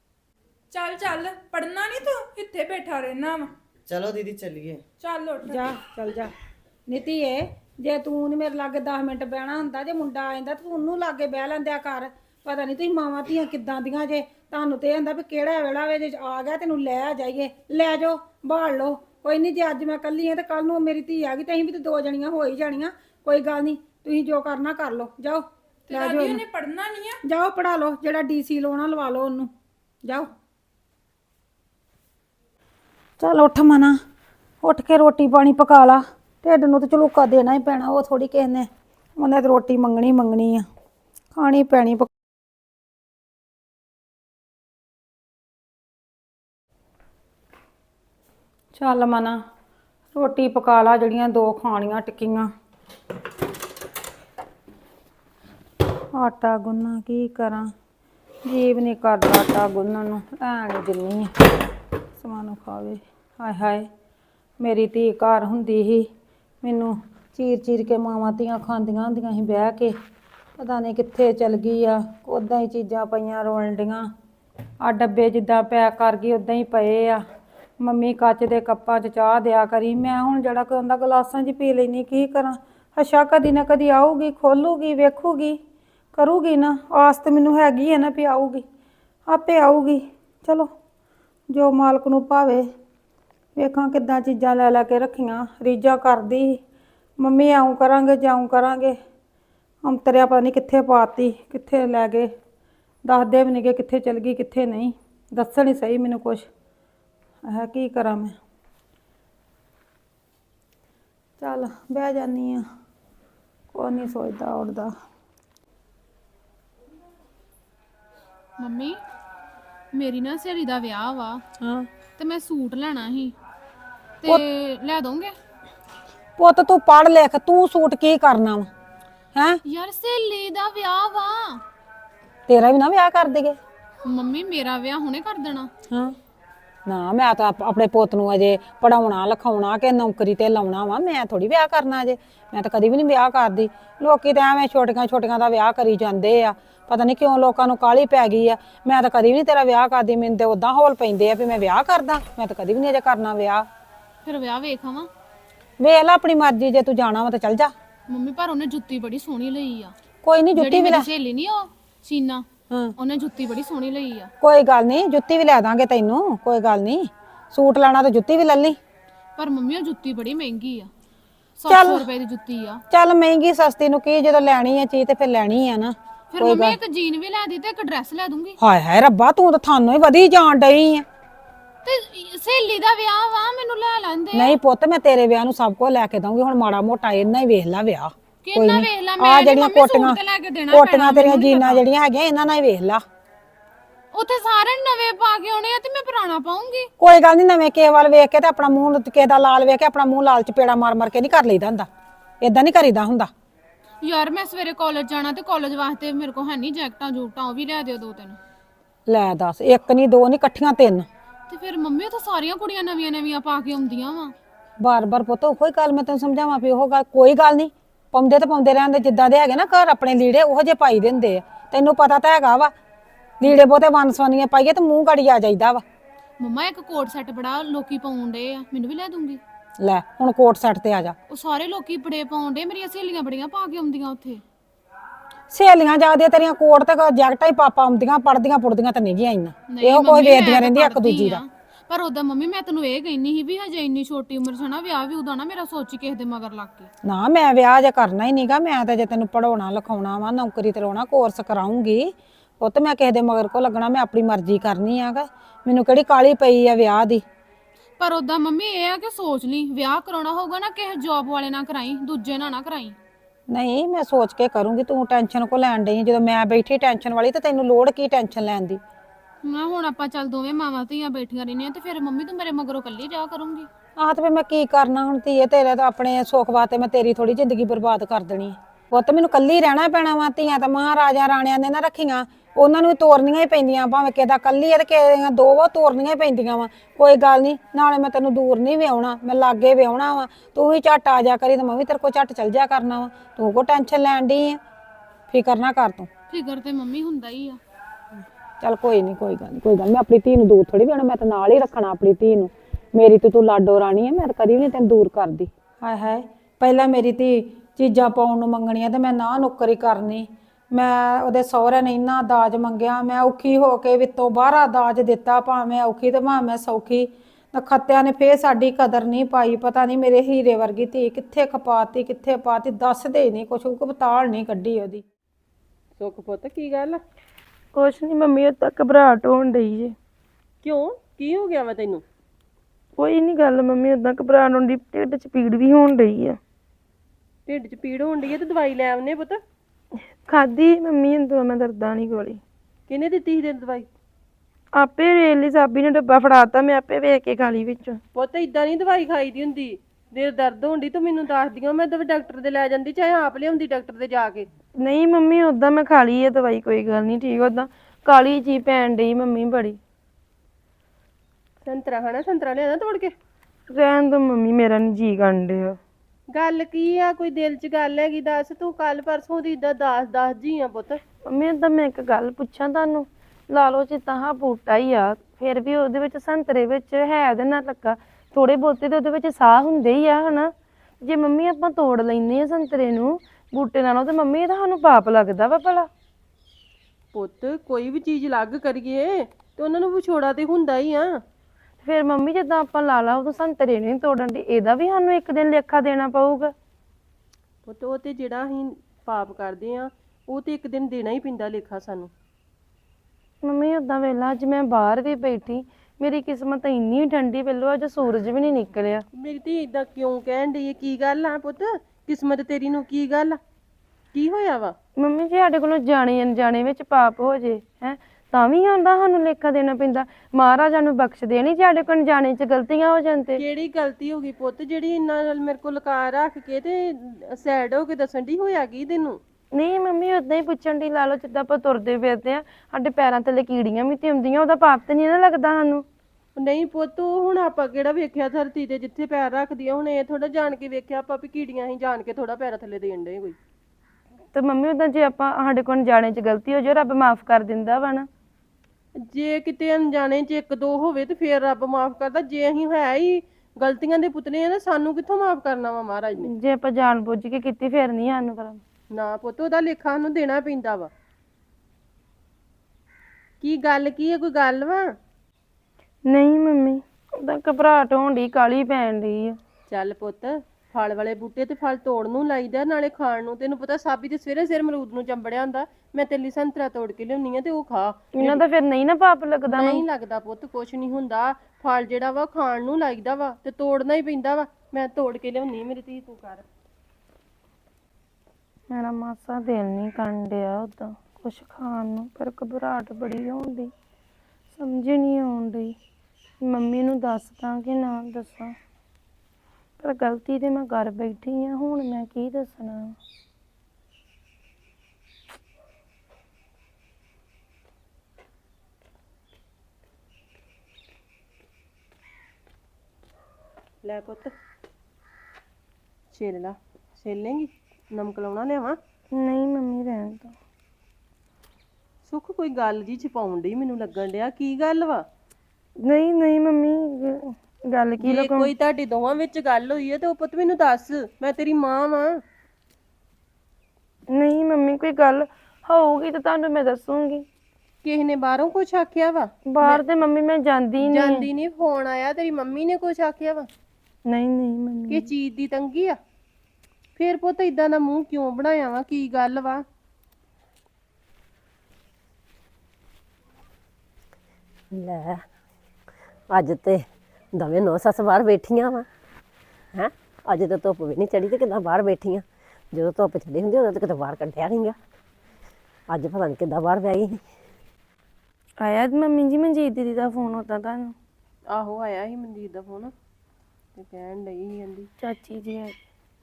Speaker 3: ਚੱਲ ਚੱਲ, ਪੜਨਾ ਨਹੀਂ ਤੂੰ ਇੱਥੇ ਬੈਠਾ ਰਹਿਣਾ ਵਾ।
Speaker 2: ਚਲੋ ਦੀਦੀ ਚੱਲੀਏ।
Speaker 3: ਚੱਲ ਉੱਠ
Speaker 1: ਜਾ ਚਲ ਜਾ। ਨੀਤੀ ਏ ਜੇ ਤੂੰ ਨੀ ਮੇਰੇ ਲਾਗੇ ਦਸ ਮਿੰਟ ਬਹਿਣਾ ਹੁੰਦਾ, ਜੇ ਮੁੰਡਾ ਆ ਜਾਂਦਾ ਤੂੰ ਉਹਨੂੰ ਲਾਗੇ ਬਹਿ ਲੈਂਦਿਆ ਕਰ। ਪਤਾ ਨਹੀਂ ਤੁਸੀਂ ਮਾਵਾਂ ਧੀਆਂ ਕਿੱਦਾਂ ਦੀਆਂ ਜੇ, ਤੁਹਾਨੂੰ ਤੇ ਇਹ ਹੁੰਦਾ ਵੀ ਕਿਹੜਾ ਵੇਲਾ ਵੇ ਜੇ ਆ ਗਿਆ ਤੈਨੂੰ ਲੈ ਜਾਈਏ। ਲੈ ਜਾਓ, ਬਾਲ ਲਓ, ਕੋਈ ਨਹੀਂ। ਜੇ ਅੱਜ ਮੈਂ ਇਕੱਲੀ ਹਾਂ ਤੇ ਕੱਲ ਨੂੰ ਮੇਰੀ ਧੀ ਆ ਗਈ ਤੇ ਅਸੀਂ ਵੀ ਤੇ ਦੋ ਜਣੀਆਂ ਹੋ ਹੀ ਜਾਣੀਆਂ। ਕੋਈ ਗੱਲ ਨਹੀਂ, ਤੁਸੀਂ ਜੋ ਕਰਨਾ ਕਰ ਲਓ। ਜਾਓ ਲੈ ਜਾਓ,
Speaker 3: ਉਹਨੇ ਪੜਨਾ ਨਹੀਂ ਆ।
Speaker 1: ਜਾਓ ਪੜਾ ਲਓ, ਜਿਹੜਾ ਡੀਸੀ ਲਾਉਣਾ ਲਵਾ ਲਓ ਉਹਨੂੰ। ਜਾਓ ਚੱਲ ਉੱਠ ਮਨਾ, ਉੱਠ ਕੇ ਰੋਟੀ ਪਾਣੀ ਪਕਾ ਲਾ। ਢਿੱਡ ਨੂੰ ਤਾਂ ਝਲੂਕਾ ਦੇਣਾ ਹੀ ਪੈਣਾ, ਉਹ ਥੋੜੀ ਕਿਸੇ ਨੇ, ਉਹਨੇ ਤਾਂ ਰੋਟੀ ਮੰਗਣੀ ਮੰਗਣੀ ਆ, ਖਾਣੀ ਪੈਣੀ। ਚੱਲ ਮਨਾ ਰੋਟੀ ਪਕਾ ਲਾ, ਜਿਹੜੀਆਂ ਦੋ ਖਾਣੀਆਂ ਟਿੱਕੀਆਂ। ਆਟਾ ਗੁੰਨਾ ਕੀ ਕਰਾਂ, ਜੀਵ ਨਹੀਂ ਕਰਦਾ ਆਟਾ ਗੁੰਨਣ ਨੂੰ, ਐਂ ਦਿੰਨੀ ਆ ਸਮਾਨ ਖਾਵੇ। ਹਾਏ ਹਾਏ ਮੇਰੀ ਧੀ ਘਰ ਹੁੰਦੀ ਸੀ, ਮੈਨੂੰ ਚੀਰ ਚੀਰ ਕੇ ਮਾਵਾਂ ਧੀਆਂ ਖਾਂਦੀਆਂ ਹੁੰਦੀਆਂ ਸੀ ਬਹਿ ਕੇ। ਪਤਾ ਨਹੀਂ ਕਿੱਥੇ ਚਲ ਗਈ ਆ। ਉੱਦਾਂ ਹੀ ਚੀਜ਼ਾਂ ਪਈਆਂ ਰੋਲਣ ਡੀਆਂ, ਆ ਡੱਬੇ ਜਿੱਦਾਂ ਪੈਕ ਕਰ ਗਈ ਉੱਦਾਂ ਹੀ ਪਏ ਆ। ਮੰਮੀ ਕੱਚ ਦੇ ਕੱਪਾਂ 'ਚ ਚਾਹ ਦਿਆ ਕਰੀ, ਮੈਂ ਹੁਣ ਜਿਹੜਾ ਕੋਈ ਹੁੰਦਾ ਗਲਾਸਾਂ 'ਚ ਪੀ ਲੈਂਦੀ। ਕੀ ਕਰਾਂ, ਅੱਛਾ ਕਦੀ ਨਾ ਕਦੀ ਆਊਗੀ, ਖੋਲੂਗੀ, ਵੇਖੂਗੀ, ਕਰੂਗੀ ਨਾ। ਆਸ ਤੇ ਮੈਨੂੰ ਹੈਗੀ ਹੈ ਨਾ ਵੀ ਆਊਗੀ, ਆਪੇ ਆਊਗੀ। ਚਲੋ ਜੋ ਮਾਲਕ ਨੂੰ ਭਾਵੇ। ਵੇਖਾਂ ਕਿੱਦਾਂ ਚੀਜ਼ਾਂ ਲੈ ਲੈ ਕੇ ਰੱਖੀਆਂ, ਰੀਝਾਂ ਕਰਦੀ ਮੰਮੀ ਆਊਂ ਕਰਾਂਗੇ ਜਾਊਂ ਕਰਾਂਗੇ। ਅੰਤਰਿਆ ਪਤਾ ਨਹੀਂ ਕਿੱਥੇ ਪਾਤੀ, ਕਿੱਥੇ ਲੈ ਗਏ, ਦੱਸਦੇ ਵੀ ਨਹੀਂ ਕਿ ਕਿੱਥੇ ਚਲ ਗਈ ਕਿੱਥੇ ਨਹੀਂ। ਦੱਸਣ ਹੀ ਸਹੀ ਮੈਨੂੰ ਕੁਛ ਹੈ, ਕੀ ਕਰਾਂ ਮੈਂ। ਚੱਲ ਬਹਿ ਜਾਂਦੀ ਆ, ਕੋਈ ਨਹੀਂ ਸੋਚਦਾ ਉੱਠਦਾ।
Speaker 4: ਮੰਮੀ ਮੇਰੀ ਨਾ ਸਹੇਲੀ ਦਾ ਵਿਆਹ ਵਾ,
Speaker 1: ਹਾਂ
Speaker 4: ਤੇ ਮੈਂ ਸੂਟ ਲੈਣਾ ਸੀ, ਤੇ ਲੈ ਦੋਗੇ?
Speaker 1: ਪੁੱਤ ਤੂੰ ਪੜ੍ਹ ਲਿਖ, ਤੂੰ ਸੂਟ ਕੀ ਕਰਨਾ ਵਾ ਹੈ?
Speaker 4: ਯਾਰ ਸਹੇਲੀ ਦਾ ਵਿਆਹ ਵਾ।
Speaker 1: ਤੇਰਾ ਵੀ ਨਾ ਵਿਆਹ ਕਰ ਦੇਗੇ?
Speaker 4: ਮੰਮੀ ਮੇਰਾ ਵਿਆਹ ਹੁਣੇ ਕਰ ਦੇਣਾ?
Speaker 1: ਹਾਂ ਨਾ, ਮੈਂ ਤਾਂ ਆਪਣੇ ਪੁੱਤ ਨੂੰ ਅਜੇ ਪੜਾਉਣਾ ਲਿਖਾਉਣਾ ਕਿ ਨੌਕਰੀ ਤੇ ਲਾਉਣਾ ਵਾ, ਮੈਂ ਥੋੜੀ ਵਿਆਹ ਕਰਨਾ ਅਜੇ। ਮੈਂ ਤਾਂ ਕਦੀ ਵੀ ਨਹੀਂ ਵਿਆਹ ਕਰਦੀ। ਲੋਕੀ ਤਾਂ ਐਵੇਂ ਛੋਟੀਆਂ ਛੋਟੀਆਂ ਦਾ ਵਿਆਹ ਕਰੀ ਜਾਂਦੇ ਆ, ਪਤਾ ਨਹੀਂ ਕਿਉਂ ਲੋਕਾਂ ਨੂੰ ਕਾਹਲੀ ਪੈ ਗਈ ਆ। ਮੈਂ ਤਾਂ ਕਦੀ ਵੀ ਨਹੀਂ ਤੇਰਾ ਵਿਆਹ ਕਰਦੀ, ਮੈਨੂੰ ਤੇ ਉਦਾਂ ਹੌਲ ਪੈਂਦੇ ਆ ਵੀ ਮੈਂ ਵਿਆਹ ਕਰਦਾ। ਮੈਂ ਤਾਂ ਕਦੀ ਵੀ ਨਹੀਂ ਅਜੇ ਕਰਨਾ ਵਿਆਹ।
Speaker 4: ਫਿਰ ਵਿਆਹ ਵੇਖ ਆਵਾਂ?
Speaker 1: ਵੇਖ ਲੈ ਆਪਣੀ ਮਰਜ਼ੀ, ਜੇ ਤੂੰ ਜਾਣਾ ਵਾ ਤਾਂ ਚੱਲ ਜਾ।
Speaker 4: ਮੰਮੀ ਪਰ ਉਹਨੇ ਜੁੱਤੀ ਬੜੀ ਸੋਹਣੀ ਲਈ ਆ।
Speaker 1: ਕੋਈ ਨਹੀਂ, ਜੁੱਤੀ ਵੀ ਲੈ।
Speaker 4: ਸਹੇਲੀ ਨਹੀਂ ਉਹ ਸੀਨਾ,
Speaker 1: ਹਾਂ
Speaker 4: ਉਹਨੇ ਜੁੱਤੀ ਬੜੀ ਸੋਹਣੀ ਲਈ ਆ।
Speaker 1: ਕੋਈ ਗੱਲ ਨਹੀਂ, ਜੁੱਤੀ ਵੀ ਲੈ ਦਾਂਗੇ ਤੈਨੂੰ, ਕੋਈ ਗੱਲ ਨਹੀਂ। ਸੂਟ ਲੈਣਾ ਤੇ ਜੁੱਤੀ ਵੀ ਲੈ ਲਈ।
Speaker 4: ਪਰ ਮੰਮੀ ਉਹ ਜੁੱਤੀ ਬੜੀ ਮਹਿੰਗੀ ਆ।
Speaker 1: ਚੱਲ।
Speaker 4: ਸੱਤ ਸੌ ਰੁਪਏ ਦੀ ਜੁੱਤੀ ਆ।
Speaker 1: ਚੱਲ ਮਹਿੰਗੀ ਸਸਤੀ ਨੂੰ ਕੀ, ਜਦੋਂ ਲੈਣੀ ਹੈ ਚੀਜ਼ ਤੇ ਫਿਰ ਲੈਣੀ ਆ ਨਾ।
Speaker 4: ਫਿਰ ਮੰਮੀ ਇੱਕ ਜੀਨ ਵੀ ਲੈ ਦੀ ਤੇ ਇੱਕ ਡਰੈਸ ਲੈ ਦੂੰਗੀ।
Speaker 1: ਹਾਏ ਹਾਏ ਰੱਬਾ, ਤੂੰ ਤਾਂ ਥਾਨੋਂ ਹੀ ਵਧੀ ਜਾਣ ਡਈ ਆ।
Speaker 4: ਤੇ ਸਹੇਲੀ ਦਾ ਵਿਆਹ ਵਾ, ਮੈਨੂੰ ਲੈ ਲੈਂਦੇ।
Speaker 1: ਨਹੀਂ ਪੁੱਤ, ਮੈਂ ਤੇਰੇ ਵਿਆਹ ਨੂੰ ਸਭ ਕੁਝ ਲੈ ਕੇ ਦਊਂਗੀ। ਹੁਣ ਮਾੜਾ ਮੋਟਾ ਇਹਨਾਂ ਹੀ ਵੇਖ ਲੈ ਵਿਆਹ।
Speaker 4: ਕਿੰਨਾ ਵੇਖ ਲਾ,
Speaker 1: ਆ
Speaker 4: ਮੈਂ
Speaker 1: ਜਿਹੜੀਆਂ ਕੋਟੀਆਂ
Speaker 4: ਤੇ ਲੈ ਕੇ ਦੇਣਾ
Speaker 1: ਕੋਟੀਆਂ ਤੇਰੀਆਂ ਜੀਨਾਂ ਜਿਹੜੀਆਂ ਹੈਗੀਆਂ ਇਹਨਾਂ ਨਾਲ ਹੀ ਵੇਖ ਲਾ।
Speaker 4: ਉੱਥੇ ਸਾਰੇ ਨਵੇਂ ਪਾ ਕੇ ਆਉਣੇ ਆ ਤੇ ਮੈਂ ਪੁਰਾਣਾ ਪਾਉਂਗੀ।
Speaker 1: ਕੋਈ ਗੱਲ ਨਹੀਂ, ਨਵੇਂ ਕਿਸੇ ਵੱਲ ਵੇਖ ਕੇ ਤੇ ਆਪਣਾ ਮੂੰਹ ਕਿਸੇ ਦਾ ਲਾਲ ਵੇਖ ਕੇ ਆਪਣਾ ਮੂੰਹ ਲਾਲ ਚਪੇੜਾ ਮਾਰ ਮਾਰ ਕੇ ਨਹੀਂ ਕਰ ਲਈਦਾ ਹੁੰਦਾ। ਏਦਾਂ ਨਹੀਂ ਕਰੀਦਾ ਹੁੰਦਾ।
Speaker 4: ਯਾਰ ਮੈਂ ਸਵੇਰੇ ਕਾਲਜ ਜਾਣਾ ਤੇ ਕਾਲਜ ਵਾਸਤੇ ਮੇਰੇ ਕੋਲ ਹੈ ਨਹੀਂ ਜੈਕਟਾਂ ਜੂਕਟਾਂ, ਉਹ ਵੀ ਲੈ ਦਿਓ ਦੋ ਤਿੰਨ।
Speaker 1: ਲੈ ਦੱਸ, ਇੱਕ ਨਹੀਂ ਦੋ ਨਹੀਂ ਇਕੱਠੀਆਂ ਤਿੰਨ।
Speaker 4: ਤੇ ਫਿਰ ਮੰਮੀ ਉਹ ਤਾਂ ਸਾਰੀਆਂ ਕੁੜੀਆਂ ਨਵੀਆਂ ਨਵੀਆਂ ਪਾ ਕੇ ਆਉਂਦੀਆਂ ਵਾ।
Speaker 1: ਬਾਰ ਬਾਰ ਪੁੱਤ ਉਹੀ ਗੱਲ ਮੈਂ ਤੈਨੂੰ ਸਮਝਾਵਾਂ ਵੀ ਉਹ ਗੱਲ ਕੋਈ ਗੱਲ ਨਹੀਂ, ਪਾਉਂਦੇ ਤਾਂ ਪਾਉਂਦੇ ਰਹਿੰਦੇ ਜਿੱਦਾਂ ਦੇ ਹੈਗੇ ਨਾ ਘਰ ਆਪਣੇ ਲੀੜੇ ਉਹੋ ਜਿਹੇ ਪਾਈ ਦੇ ਹੁੰਦੇ ਆ। ਤੈਨੂੰ ਪਤਾ ਤਾਂ ਹੈਗਾ ਵਾ, ਲੀੜੇ ਬਹੁਤੇ ਵੰਨਸਵੰਨੀਆਂ ਪਾਈਏ ਤੇ ਮੂੰਹ ਗੜੀ ਆ ਜਾਈਦਾ ਵਾ।
Speaker 4: ਮੰਮਾ ਇੱਕ ਕੋਟ ਸੈੱਟ ਬੜਾ ਲੋਕੀ ਪਾਉਂਦੇ ਆ, ਮੈਨੂੰ ਵੀ ਲੈ ਦੂੰਗੀ।
Speaker 1: ਲੈ ਹੁਣ ਕੋਟ ਸੈੱਟ ਤੇ ਆ ਜਾ।
Speaker 4: ਉਹ ਸਾਰੇ ਲੋਕੀ ਬੜੇ ਪਾਉਂਦੇ, ਮੇਰੀਆਂ ਸਹੇਲੀਆਂ ਬੜੀਆਂ ਪਾ ਕੇ ਆਉਂਦੀਆਂ ਉੱਥੇ।
Speaker 1: ਸਹੇਲੀਆਂ ਜਾਂਦੀਆਂ ਤੇਰੀਆਂ ਕੋਟ ਤੇ ਜੈਕਟਾਂ ਹੀ ਪਾਪਾ ਆਉਂਦੀਆਂ, ਪੜਦੀਆਂ ਪੁੜਦੀਆਂ ਤਾਂ ਨਹੀਂ ਗੀਆਂ ਇੰਨਾ। ਇਹੋ ਕੋਈ ਵੇਖਦੀਆਂ ਰਹਿੰਦੀਆਂ ਇੱਕ ਦੂਜੀ ਦਾ।
Speaker 4: ਪਰ ਉਦਾਂ ਮੰਮੀ ਮੈਂ ਤੈਨੂੰ ਇਹ ਕਹਿੰਨੀ ਸੀ ਵੀ ਹਜੇ ਇੰਨੀ ਛੋਟੀ ਉਮਰ 'ਚ ਨਾ ਵਿਆਹ ਵੀ ਉਦਾਂ ਨਾ ਮੇਰਾ ਸੋਚੀ ਕਿਸੇ ਦੇ ਮਗਰ ਲੱਗ ਕੇ।
Speaker 1: ਨਾ ਮੈਂ ਵਿਆਹ ਜੇ ਕਰਨਾ ਹੀ ਨਹੀਂਗਾ। ਮੈਂ ਤਾਂ ਜੇ ਤੈਨੂੰ ਪੜਾਉਣਾ ਲਿਖਾਉਣਾ ਵਾ, ਨੌਕਰੀ ਤੇ ਲਾਉਣਾ, ਕੋਰਸ ਕਰਾਉਂਗੀ ਪੁੱਤ। ਮੈਂ ਕਿਸੇ ਦੇ ਮਗਰ ਕੋ ਲੱਗਣਾ, ਮੈਂ ਆਪਣੀ ਮਰਜ਼ੀ ਕਰਨੀ ਆਗਾ। ਮੈਨੂੰ ਕਿਹੜੀ ਕਾਹਲੀ ਪਈ ਆ ਵਿਆਹ ਦੀ।
Speaker 4: ਪਰ ਉਦਾਂ ਮੰਮੀ ਇਹ ਆ ਕਿ ਸੋਚ ਲਈ ਵਿਆਹ ਕਰਾਉਣਾ ਹੋਊਗਾ ਨਾ ਕਿਸੇ ਜੌਬ ਵਾਲੇ ਨਾਲ ਕਰਾਈ, ਦੂਜੇ ਨਾਲ ਨਾ ਕਰਾਈ।
Speaker 1: ਨਹੀਂ ਮੈਂ ਸੋਚ ਕੇ ਕਰੂੰਗੀ। ਤੂੰ ਟੈਨਸ਼ਨ ਕੋ ਲੈਣ ਡਈ? ਜਦੋਂ ਮੈਂ ਬੈਠੀ ਟੈਨਸ਼ਨ ਵਾਲੀ ਤੇ ਤੈਨੂੰ ਲੋੜ ਕੀ ਟੈਨਸ਼ਨ ਲੈਣ ਦੀ?
Speaker 4: ਮੈਂ ਹੁਣ ਆਪਾਂ ਚੱਲ ਦੋਵੇਂ ਮਾਵਾਂ ਧੀਆਂ ਬੈਠੀਆਂ ਰਹਿੰਦੀਆਂ ਤੇ ਫਿਰ ਮੰਮੀ ਤੂੰ ਮੇਰੇ ਮਗਰੋਂ ਕੱਲੀ ਜਾ ਕਰੂੰਗੀ।
Speaker 1: ਆਹ ਤੇ ਫਿਰ ਮੈਂ ਕੀ ਕਰਨਾ ਹੁਣ ਧੀਏ? ਤੇਰੇ ਤਾਂ ਆਪਣੇ ਸੁੱਖ ਵਾਸਤੇ ਮੈਂ ਤੇਰੀ ਥੋੜੀ ਜ਼ਿੰਦਗੀ ਬਰਬਾਦ ਕਰ ਦੇਣੀ। ਪੁੱਤ ਮੈਨੂੰ ਕੱਲੀ ਰਹਿਣਾ ਪੈਣਾ ਵਾ। ਧੀਆਂ ਤਾਂ ਮਹਾਰਾਜਾ ਰਾਣਿਆਂ ਨੇ ਨਾ ਰੱਖੀਆਂ, ਉਹਨਾਂ ਨੂੰ ਵੀ ਤੋਰਨੀਆਂ ਹੀ ਪੈਂਦੀਆਂ। ਭਾਵੇਂ ਕਿਸੇ ਦਾ ਕੱਲੀ ਹੈ ਤੇ ਕਿਸੇ ਦੀਆਂ ਦੋ ਵਾ, ਤੋਰਨੀਆਂ ਹੀ ਪੈਂਦੀਆਂ ਵਾ। ਕੋਈ ਗੱਲ ਨਹੀਂ, ਨਾਲੇ ਮੈਂ ਤੈਨੂੰ ਦੂਰ ਨਹੀਂ ਵਿਆਹੁਣਾ, ਮੈਂ ਲਾਗੇ ਵਿਆਹੁਣਾ ਵਾ। ਤੂੰ ਵੀ ਝੱਟ ਆ ਜਾ ਕਰੀ ਤੇ ਮੈਂ ਵੀ ਤੇਰੇ ਕੋਲ ਝੱਟ ਚੱਲ ਜਾ ਕਰਨਾ ਵਾ। ਤੂੰ ਕੋ ਟੈਨਸ਼ਨ ਲੈਣ ਡਈ ਆ? ਫਿਕਰ ਨਾ ਕਰ ਤੂੰ।
Speaker 4: ਫਿਕਰ ਤੇ ਮੰਮੀ ਹੁੰਦਾ ਹੀ ਆ।
Speaker 1: ਚੱਲ ਕੋਈ ਨਹੀਂ, ਕੋਈ ਗੱਲ ਨਹੀਂ, ਕੋਈ ਗੱਲ। ਮੈਂ ਆਪਣੀ ਧੀ ਨੂੰ ਦੂਰ ਥੋੜੀ ਵਿਆਹਣਾ, ਮੈਂ ਤਾਂ ਨਾਲ ਹੀ ਰੱਖਣਾ ਆਪਣੀ ਧੀ ਨੂੰ। ਮੇਰੀ ਤੇ ਤੂੰ ਲਾਡੋ ਰਾਣੀ ਹੈ, ਮੈਂ ਤਾਂ ਕਦੀ ਵੀ ਨਹੀਂ ਤੈਨੂੰ ਦੂਰ ਕਰਦੀ। ਹਾਏ ਹਾਏ, ਪਹਿਲਾਂ ਮੇਰੀ ਧੀ ਚੀਜ਼ਾਂ ਪਾਉਣ ਨੂੰ ਮੰਗਣੀਆਂ ਤੇ ਮੈਂ ਨਾ ਨੁੱਕਰੀ ਕਰਨੀ। ਮੈਂ ਉਹਦੇ ਸਹੁਰੇ ਨੇ ਇੰਨਾ ਦਾਜ ਮੰਗਿਆ, ਮੈਂ ਔਖੀ ਹੋ ਕੇ ਵਿੱਤੋਂ ਬਾਹਰਾ ਦਾਜ ਦਿੱਤਾ। ਭਾਵੇਂ ਔਖੀ ਤੇ ਭਾਵੇਂ ਸੌਖੀ, ਨਖੱਤਿਆਂ ਨੇ ਫੇਰ ਸਾਡੀ ਕਦਰ ਨਹੀਂ ਪਾਈ। ਪਤਾ ਨਹੀਂ ਮੇਰੇ ਹੀਰੇ ਵਰਗੀ ਧੀ ਕਿੱਥੇ ਖਪਾਤੀ, ਕਿੱਥੇ ਪਾਤੀ, ਦੱਸਦੇ ਨਹੀਂ ਕੁਛ। ਉਹ ਬਤਾਲ ਨਹੀਂ ਕੱਢੀ ਉਹਦੀ।
Speaker 2: ਸੁੱਖ ਪੁੱਤ ਕੀ ਗੱਲ?
Speaker 5: ਕੁਛ ਨਹੀਂ ਮੰਮੀ, ਉਹ ਤਾਂ ਘਬਰਾਹਟ ਹੋਣ ਡਈ ਜੇ।
Speaker 2: ਕਿਉਂ, ਕੀ ਹੋ ਗਿਆ ਵਾ ਤੈਨੂੰ?
Speaker 5: ਕੋਈ ਨਹੀਂ ਗੱਲ ਮੰਮੀ, ਉਦਾਂ ਘਬਰਾਹਟ ਹੋਣ ਦੀ, ਢਿੱਡ 'ਚ ਪੀੜ ਵੀ ਹੋਣ ਡਈ ਆ।
Speaker 2: ਢਿੱਡ 'ਚ ਪੀੜ ਹੋਣ ਡਈ ਹੈ ਤੇ ਦਵਾਈ ਲੈ ਆਉਨੇ ਪੁੱਤ।
Speaker 5: ਖਾਧੀ ਮੰਮੀ ਅੰਦਰੋਂ ਮੈਂ ਦਰਦਾਂ ਨਹੀਂ ਗੋਲੀ।
Speaker 2: ਕਿਹਨੇ ਦਿੱਤੀ ਸੀ ਤੈਨੂੰ ਦਵਾਈ?
Speaker 5: ਆਪੇ ਰੇਲੀ ਸਾਬੀ ਨੇ ਡੱਬਾ ਫੜਾਤਾ, ਮੈਂ ਆਪੇ ਵੇਖ ਕੇ ਖਾ ਲਈ ਵਿੱਚੋਂ।
Speaker 2: ਪੁੱਤ ਇਦਾਂ ਨਹੀਂ ਦਵਾਈ ਖਾਈ ਦੀ ਹੁੰਦੀ। ਜੇ ਦਰਦ ਹੁੰਦੀ ਤੂੰ ਮੈਨੂੰ ਦੱਸ ਦਿਓ, ਮੈਂ ਤਾਂ ਡਾਕਟਰ ਦੇ ਲੈ ਜਾਂਦੀ, ਚਾਹੇ ਆਪ ਲਿਆਉਂਦੀ ਡਾਕਟਰ ਦੇ ਜਾ ਕੇ।
Speaker 5: ਨਹੀਂ ਮੰਮੀ, ਉਦਾਂ ਮੈਂ ਖਾ ਲਈ ਹੈ ਦਵਾਈ, ਕੋਈ ਗੱਲ ਨਹੀਂ ਠੀਕ। ਉਦਾਂ ਕਾਲੀ ਜੀ ਪੈਣ ਡਈ ਮੰਮੀ ਬੜੀ।
Speaker 2: ਸੰਤਰਾ ਖਾਣਾ? ਸੰਤਰਾ ਲਿਆਦਾ ਤੋੜ ਕੇ?
Speaker 5: ਰਹਿਣ ਦੋ ਮੰਮੀ, ਮੇਰਾ ਨਹੀਂ ਜੀ ਕਰਨ ਡਿਆ।
Speaker 2: ਗੱਲ ਕੀ ਆ? ਕੋਈ ਦਿਲ 'ਚ ਗੱਲ ਹੈਗੀ ਦੱਸ। ਤੂੰ ਕੱਲ ਪਰਸੋਂ ਦੀ ਇਦਾਂ ਦੱਸ ਦੱਸ ਜੀ ਆ ਪੁੱਤ।
Speaker 5: ਮੰਮੀ ਉਦਾਂ ਮੈਂ ਇੱਕ ਗੱਲ ਪੁੱਛਾਂ ਤੁਹਾਨੂੰ? ਲਾ ਲਓ ਜਿੱਦਾਂ ਹਾਂ ਬੂਟਾ ਹੀ ਆ, ਫਿਰ ਵੀ ਉਹਦੇ ਵਿੱਚ ਸੰਤਰੇ ਵਿੱਚ ਹੈ ਉਹਦੇ ਨਾਲ ਲੱਗਾ, ਥੋੜੇ ਬਹੁਤੇ ਤੇ ਉਹਦੇ ਵਿੱਚ ਸਾਹ ਹੁੰਦੇ ਹੀ ਆ ਹਨਾ। ਜੇ ਮੰਮੀ ਆਪਾਂ ਤੋੜ ਲੈਂਦੇ ਆ ਸੰਤਰੇ ਨੂੰ ਬੂਟੇ ਨਾਲੋਂ, ਤੇ ਮੰਮੀ ਇਹ ਤਾਂ ਸਾਨੂੰ ਪਾਪ ਲੱਗਦਾ ਵਾ ਭਲਾ।
Speaker 2: ਪੁੱਤ ਕੋਈ ਵੀ ਚੀਜ਼ ਅਲੱਗ ਕਰੀਏ ਤੇ ਉਹਨਾਂ ਨੂੰ ਵਿਛੋੜਾ ਤੇ ਹੁੰਦਾ ਹੀ ਆ।
Speaker 5: ਫਿਰ ਮੰਮੀ ਜਿੱਦਾਂ ਆਪਾਂ ਲਾ ਲਾ ਉਦੋਂ ਸੰਤਰੇ ਨਹੀਂ ਤੋੜਨ ਦੀ, ਇਹਦਾ ਵੀ ਸਾਨੂੰ ਇੱਕ ਦਿਨ ਲੇਖਾ ਦੇਣਾ ਪਊਗਾ।
Speaker 2: ਪੁੱਤ ਉਹ ਤੇ ਜਿਹੜਾ ਅਸੀਂ ਪਾਪ ਕਰਦੇ ਆ ਉਹ ਤੇ ਇੱਕ ਦਿਨ ਦੇਣਾ ਹੀ ਪੈਂਦਾ ਲੇਖਾ ਸਾਨੂੰ।
Speaker 5: ਮੰਮੀ ਉਦਾਂ ਵੇਲਾ ਅੱਜ ਮੈਂ ਬਾਹਰ ਵੀ ਬੈਠੀ, ਮੇਰੀ ਕਿਸਮਤ ਇੰਨੀ ਠੰਡੀ, ਵੇਲੋ ਅੱਜ ਸੂਰਜ ਵੀ ਨਹੀਂ ਨਿਕਲਿਆ।
Speaker 2: ਮੇਰੀ ਧੀ ਇਦਾਂ ਕਿਉਂ ਕਹਿਣ ਡਈ? ਕੀ ਗੱਲ ਆ ਪੁੱਤ? ਕਿਸਮਤ ਤੇਰੀ ਨੂੰ ਕੀ ਗੱਲ ਆ? ਕੀ ਹੋਇਆ ਵਾ?
Speaker 5: ਮੰਮੀ ਜੇ ਸਾਡੇ ਕੋਲੋਂ ਜਾਣੇ ਅਣਜਾਣੇ ਵਿੱਚ ਪਾਪ ਹੋ ਜੇ ਹੈ ਤਾਂ ਵੀ ਆਉਂਦਾ ਸਾਨੂੰ ਲੇਖਾ ਦੇਣਾ ਪੈਂਦਾ। ਮਹਾਰਾਜਾ ਨੂੰ ਬਖਸ਼ ਦੇਣੀ ਜੇ ਸਾਡੇ ਕੋਲ ਜਾਣੇ 'ਚ ਗਲਤੀਆਂ ਹੋ ਜਾਣ ਤੇ।
Speaker 2: ਕਿਹੜੀ ਗਲਤੀ ਹੋ ਗਈ ਪੁੱਤ ਜਿਹੜੀ ਇੰਨਾ ਨਾਲ ਮੇਰੇ ਕੋਲ ਲਕਾ ਰੱਖ ਕੇ ਤੇ ਸੈਡ ਹੋ ਕੇ ਦੱਸਣ ਦੀ? ਹੋਇਆ ਕੀ ਤੈਨੂੰ?
Speaker 5: ਨਹੀਂ ਮੰਮੀ ਉਦਾਂ ਹੀ ਪੁੱਛਣ ਦੀ, ਲਾ ਲਓ ਜਿੱਦਾਂ ਆਪਾਂ ਤੁਰਦੇ ਫਿਰਦੇ ਆ, ਸਾਡੇ ਪੈਰਾਂ ਥੱਲੇ ਕੀੜੀਆਂ ਵੀ ਤੇ ਹੁੰਦੀਆਂ, ਉਹਦਾ ਪਾਪ ਤੇ ਨਹੀਂ ਨਾ ਲੱਗਦਾ ਸਾਨੂੰ?
Speaker 2: ਨਹੀਂ ਪੁੱਤ, ਉਹ ਹੁਣ ਆਪਾਂ ਕਿਹੜਾ ਵੇਖਿਆ ਧਰਤੀ ਤੇ ਜਿੱਥੇ ਪੈਰ ਰੱਖਦੀ ਆ? ਹੁਣ ਇਹ ਥੋੜਾ ਜਾਣ ਕੇ ਵੇਖਿਆ ਆਪਾਂ ਵੀ ਕੀੜੀਆਂ ਹੀ ਜਾਣ ਕੇ ਥੋੜਾ ਪੈਰਾਂ ਥੱਲੇ ਦੇਣ ਡੇ ਕੋਈ।
Speaker 5: ਤੇ ਮੰਮੀ ਉਦਾਂ ਜੇ ਆਪਾਂ ਸਾਡੇ ਕੋਲ ਜਾਣੇ 'ਚ ਗਲਤੀ ਹੋ ਜਾਏ, ਰੱਬ ਮਾਫ ਕਰ ਦਿੰਦਾ ਵਾ ਨਾ।
Speaker 2: ਜੇ ਕਿਤੇ ਅਣਜਾਣੇ 'ਚ ਇੱਕ ਦੋ ਹੋਵੇ ਤੇ ਫੇਰ ਰੱਬ ਮਾਫ ਕਰਦਾ। ਜੇ ਅਸੀਂ ਹੈ ਹੀ ਗਲਤੀਆਂ ਦੇ ਪੁਤਲੇ ਆ ਨਾ, ਸਾਨੂੰ ਕਿੱਥੋਂ ਮਾਫ ਕਰਨਾ ਵਾ ਮਹਾਰਾਜ ਨੇ?
Speaker 5: ਜੇ ਆਪਾਂ ਜਾਣ ਬੁੱਝ ਕੇ ਕੀਤੀ ਫੇਰ ਨਹੀਂ ਸਾਨੂੰ ਕਰਨਾ।
Speaker 2: ਨਾ ਪੁੱਤ, ਉਹਦਾ ਲੇਖਾ ਸਾਨੂੰ ਦੇਣਾ ਪੈਂਦਾ ਵਾ। ਕੀ ਗੱਲ ਕੀ ਹੈ? ਕੋਈ ਗੱਲ ਵਾ?
Speaker 5: ਨਹੀਂ ਮੰਮੀ। ਉਹਦਾ ਘਬਰਾਹਟ ਹੋਣ ਡਈ, ਕਾਲੀ ਪੈਣ ਡਈ ਆ।
Speaker 2: ਚੱਲ ਪੁੱਤ, ਫਲ ਵਾਲੇ ਬੂਟੇ ਤੇ ਫਲ ਤੋੜਨ ਨੂੰ ਲਾਈਦਾ, ਨਾਲੇ ਖਾਣ ਨੂੰ। ਤੈਨੂੰ ਪਤਾ ਸਾਬੀ ਤੇ ਸਵੇਰੇ ਸਿਰ ਅਮਰੂਦ ਨੂੰ ਚੰਬੜਿਆ ਹੁੰਦਾ। ਮੈਂ ਤੇਰੇ ਲਈ ਸੰਤਰਾ ਤੋੜ ਕੇ ਲਿਆਉਣੀ ਆ ਤੇ ਉਹ ਖਾ।
Speaker 5: ਇਹਨਾਂ ਦਾ ਫਿਰ ਨਹੀਂ ਨਾ ਪਾਪ ਲੱਗਦਾ।
Speaker 2: ਨਹੀਂ ਲੱਗਦਾ ਪੁੱਤ, ਕੁਛ ਨਹੀਂ ਹੁੰਦਾ। ਫਲ ਜਿਹੜਾ ਵਾ ਖਾਣ ਨੂੰ ਲਾਈਦਾ ਵਾ ਤੇ ਤੋੜਨਾ ਹੀ ਪੈਂਦਾ ਵਾ। ਮੈਂ ਤੋੜ ਕੇ ਲਿਆਉਣੀ ਮੇਰੀ ਧੀ, ਤੂੰ ਕਰ।
Speaker 5: ਮੇਰਾ ਮਾਸਾ ਦਿਲ ਨਹੀਂ ਕਰਨ ਡਿਆ ਉਦਾਂ ਕੁਛ ਖਾਣ ਨੂੰ, ਪਰ ਘਬਰਾਹਟ ਬੜੀ ਹੋਣ ਡਈ, ਸਮਝ ਨਹੀਂ ਆਉਣ ਡਈ ਮੰਮੀ ਨੂੰ ਦੱਸਦਾ ਕਿ ਨਾ ਦੱਸਾਂ। ਪਰ ਗਲਤੀ ਤੇ ਮੈਂ ਕਰ ਬੈਠੀ ਆ, ਹੁਣ ਮੈਂ ਕੀ ਦੱਸਣਾ।
Speaker 2: ਲੈ ਪੁੱਤ, ਛਿੱਲ ਲਾ। ਛਿੱਲ ਲੇਂਗੀ? ਨਮਕ ਲਾਉਣਾ ਲਿਆਵਾਂ?
Speaker 5: ਨਹੀਂ ਮੰਮੀ ਰਹਿਣ ਦੋ।
Speaker 2: ਸੁੱਖ ਕੋਈ ਗੱਲ ਜੀ ਛਪਾਉਣ ਡਈ, ਮੈਨੂੰ ਲੱਗਣ ਡਿਆ। ਕੀ ਗੱਲ ਵਾ?
Speaker 5: ਨਹੀਂ ਨਹੀਂ ਮੰਮੀ, ਗ- ਗੱਲ ਕੀ
Speaker 2: ਜੇ
Speaker 5: ਲਗਾਉਂ।
Speaker 2: ਕੋਈ ਤੁਹਾਡੀ ਦੋਵਾਂ ਵਿੱਚ ਗੱਲ ਹੋਈ ਹੈ ਤੇ ਉਹ ਪੁੱਤ ਮੈਨੂੰ ਦੱਸ, ਮੈਂ ਤੇਰੀ ਮਾਂ ਵਾਂ।
Speaker 5: ਨਹੀਂ ਮੰਮੀ, ਕੋਈ ਗੱਲ ਹੋਊਗੀ ਤਾਂ ਤੁਹਾਨੂੰ ਮੈਂ ਦੱਸੂਗੀ।
Speaker 2: ਕਿਸੇ ਨੇ ਬਾਹਰੋਂ ਕੁਛ ਆਖਿਆ ਵਾ?
Speaker 5: ਬਾਹਰ ਤੇ ਮੰਮੀ ਮੈਂ ਜਾਂਦੀ ਨਹੀਂ।
Speaker 2: ਜਾਂਦੀ ਨਹੀਂ, ਫੋਨ ਆਇਆ ਤੇਰੀ ਮੰਮੀ ਨੇ ਕੁਛ ਆਖਿਆ ਵਾ?
Speaker 5: ਨਹੀਂ ਨਹੀਂ ਮੰਮੀ।
Speaker 2: ਕਿ ਚੀਜ਼ ਦੀ ਤੰਗੀ ਆ? ਫੇਰ ਪੁੱਤ ਇਦਾਂ ਦਾ ਮੂੰਹ ਕਿਉਂ ਬਣਾਇਆ ਵਾ? ਕੀ ਗੱਲ ਵਾ?
Speaker 6: ਲੈ ਅੱਜ ਤੇ ਦਵੇਂ ਨੌ ਸੱਸ ਬਾਹਰ ਬੈਠੀਆਂ ਵਾ ਹੈ। ਅੱਜ ਤਾਂ ਧੁੱਪ ਵੀ ਨਹੀਂ ਚੜੀ ਤੇ ਕਿੱਦਾਂ ਬਾਹਰ ਬੈਠੀਆਂ। ਜਦੋਂ ਧੁੱਪ ਚੜੀ ਹੁੰਦੀ ਉਦੋਂ ਤਾਂ ਕਿਤੇ ਬਾਹਰ ਕੱਢਿਆ ਨਹੀਂਗਾ। ਅੱਜ ਪਤਾ ਨਹੀਂ ਕਿੱਦਾਂ ਬਾਹਰ ਬਹਿ ਗਈ।
Speaker 5: ਆਇਆ ਮੰਮੀ ਜੀ ਮਨਜੀਤ ਦੀਦੀ ਦਾ ਫੋਨ ਹੁੰਦਾ ਤੁਹਾਨੂੰ?
Speaker 2: ਆਹੋ ਆਇਆ ਸੀ ਮਨਜੀਤ ਦਾ ਫੋਨ ਤੇ ਕਹਿਣ ਡਈ ਸੀ ਕਹਿੰਦੀ।
Speaker 5: ਚਾਚੀ ਜੀ ਆ।